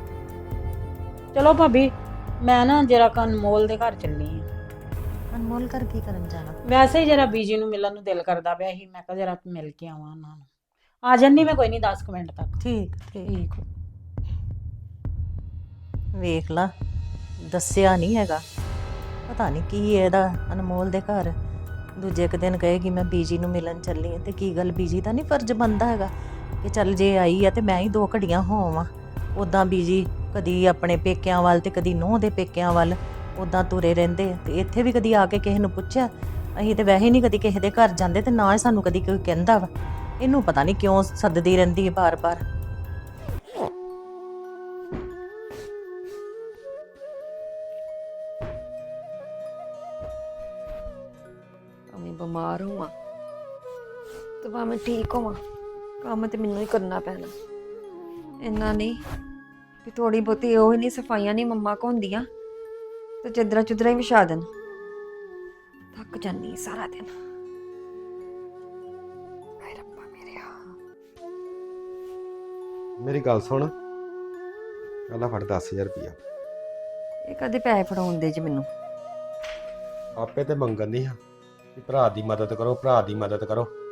S4: ਚਲੋ ਭਾਬੀ ਮੈਂ ਨਾ ਜਰਾ ਅਨਮੋਲ ਦੇ ਘਰ ਚੱਲੀ ਆ।
S1: ਅਨਮੋਲ ਘਰ ਕੀ ਕਰਨ ਜਾਣਾ?
S4: ਵੈਸੇ ਹੀ ਜਰਾ ਬੀਜੀ ਨੂੰ ਮਿਲਣ ਨੂੰ ਦਿਲ ਕਰਦਾ ਪਿਆ ਸੀ, ਮੈਂ ਕਿਹਾ ਜਰਾ ਮਿਲ ਕੇ ਆਵਾਂ ਉਹਨਾਂ ਨੂੰ। ਆ ਜੰਨੀ ਮੈਂ ਕੋਈ ਨਹੀਂ ਦਸ ਕੁ ਮਿੰਟ ਤੱਕ।
S1: ਠੀਕ ਠੀਕ। ਵੇਖ ਲਾ, ਦੱਸਿਆ ਨਹੀਂ ਹੈਗਾ, ਪਤਾ ਨਹੀਂ ਕੀ ਇਹਦਾ ਅਨਮੋਲ ਦੇ ਘਰ। ਦੂਜੇ ਇੱਕ ਦਿਨ ਕਹੇਗੀ ਮੈਂ ਬੀਜੀ ਨੂੰ ਮਿਲਣ ਚੱਲੀ ਹਾਂ, ਤੇ ਕੀ ਗੱਲ ਬੀਜੀ ਦਾ ਨਹੀਂ ਫਰਜ਼ ਬਣਦਾ ਹੈਗਾ ਕਿ ਚੱਲ ਜੇ ਆਈ ਆ ਤੇ ਮੈਂ ਹੀ ਦੋ ਘੜੀਆਂ ਹੋਵਾਂ। ਉੱਦਾਂ ਬੀਜੀ ਕਦੀ ਆਪਣੇ ਪੇਕਿਆਂ ਵੱਲ ਤੇ ਕਦੀ ਨੂੰਹ ਦੇ ਪੇਕਿਆਂ ਵੱਲ ਉੱਦਾਂ ਤੁਰੇ ਰਹਿੰਦੇ ਆ। ਤੇ ਇੱਥੇ ਵੀ ਕਦੀ ਆ ਕੇ ਕਿਸੇ ਨੂੰ ਪੁੱਛਿਆ? ਅਸੀਂ ਤੇ ਵੈਸੇ ਨਹੀਂ ਕਦੀ ਕਿਸੇ ਦੇ ਘਰ ਜਾਂਦੇ, ਤੇ ਨਾ ਹੀ ਸਾਨੂੰ ਕਦੀ ਕੋਈ ਕਹਿੰਦਾ ਵਾ। ਇਹਨੂੰ ਪਤਾ ਨਹੀਂ ਕਿਉਂ ਸੱਦਦੀ ਰਹਿੰਦੀ ਹੈ ਬਾਰ-ਬਾਰ।
S8: ਭਾਵੇਂ ਬਿਮਾਰ ਹੋਵਾਂ ਤੇ ਭਾਵੇਂ ਠੀਕ ਹੋਵਾਂ, ਕੰਮ ਤੇ ਮੈਨੂੰ ਹੀ ਕਰਨਾ ਪੈਣਾ। ਇੰਨਾ ਨਹੀਂ ਵੀ ਥੋੜੀ ਬਹੁਤੀ ਉਹ ਹੀ ਨਹੀਂ ਸਫਾਈਆਂ ਨਹੀਂ ਮੰਮਾ ਕੋ ਹੁੰਦੀਆਂ ਤੇ ਚੱਦਰਾਂ ਚੁੱਦਰਾਂ ਹੀ ਵਿਛਾ ਦੇਣ। ਥੱਕ ਜਾਂਦੀ ਸਾਰਾ ਦਿਨ। ਹਾਏ ਰੱਬਾ ਮੇਰਿਆ।
S7: ਮੇਰੀ ਗੱਲ ਸੁਣ, ਪਹਿਲਾਂ ਫੜ ਦਸ ਹਜ਼ਾਰ ਰੁਪਇਆ।
S8: ਇਹ ਕਦੇ ਪੈਸੇ ਫੜਾਉਣ ਦੇ ਜੀ ਮੈਨੂੰ?
S7: ਆਪੇ ਤੇ ਮੰਗਣ ਨਹੀਂ ਆ ਕਿ ਭਰਾ ਦੀ ਮਦਦ ਕਰੋ, ਭਰਾ ਦੀ ਮਦਦ ਕਰੋ।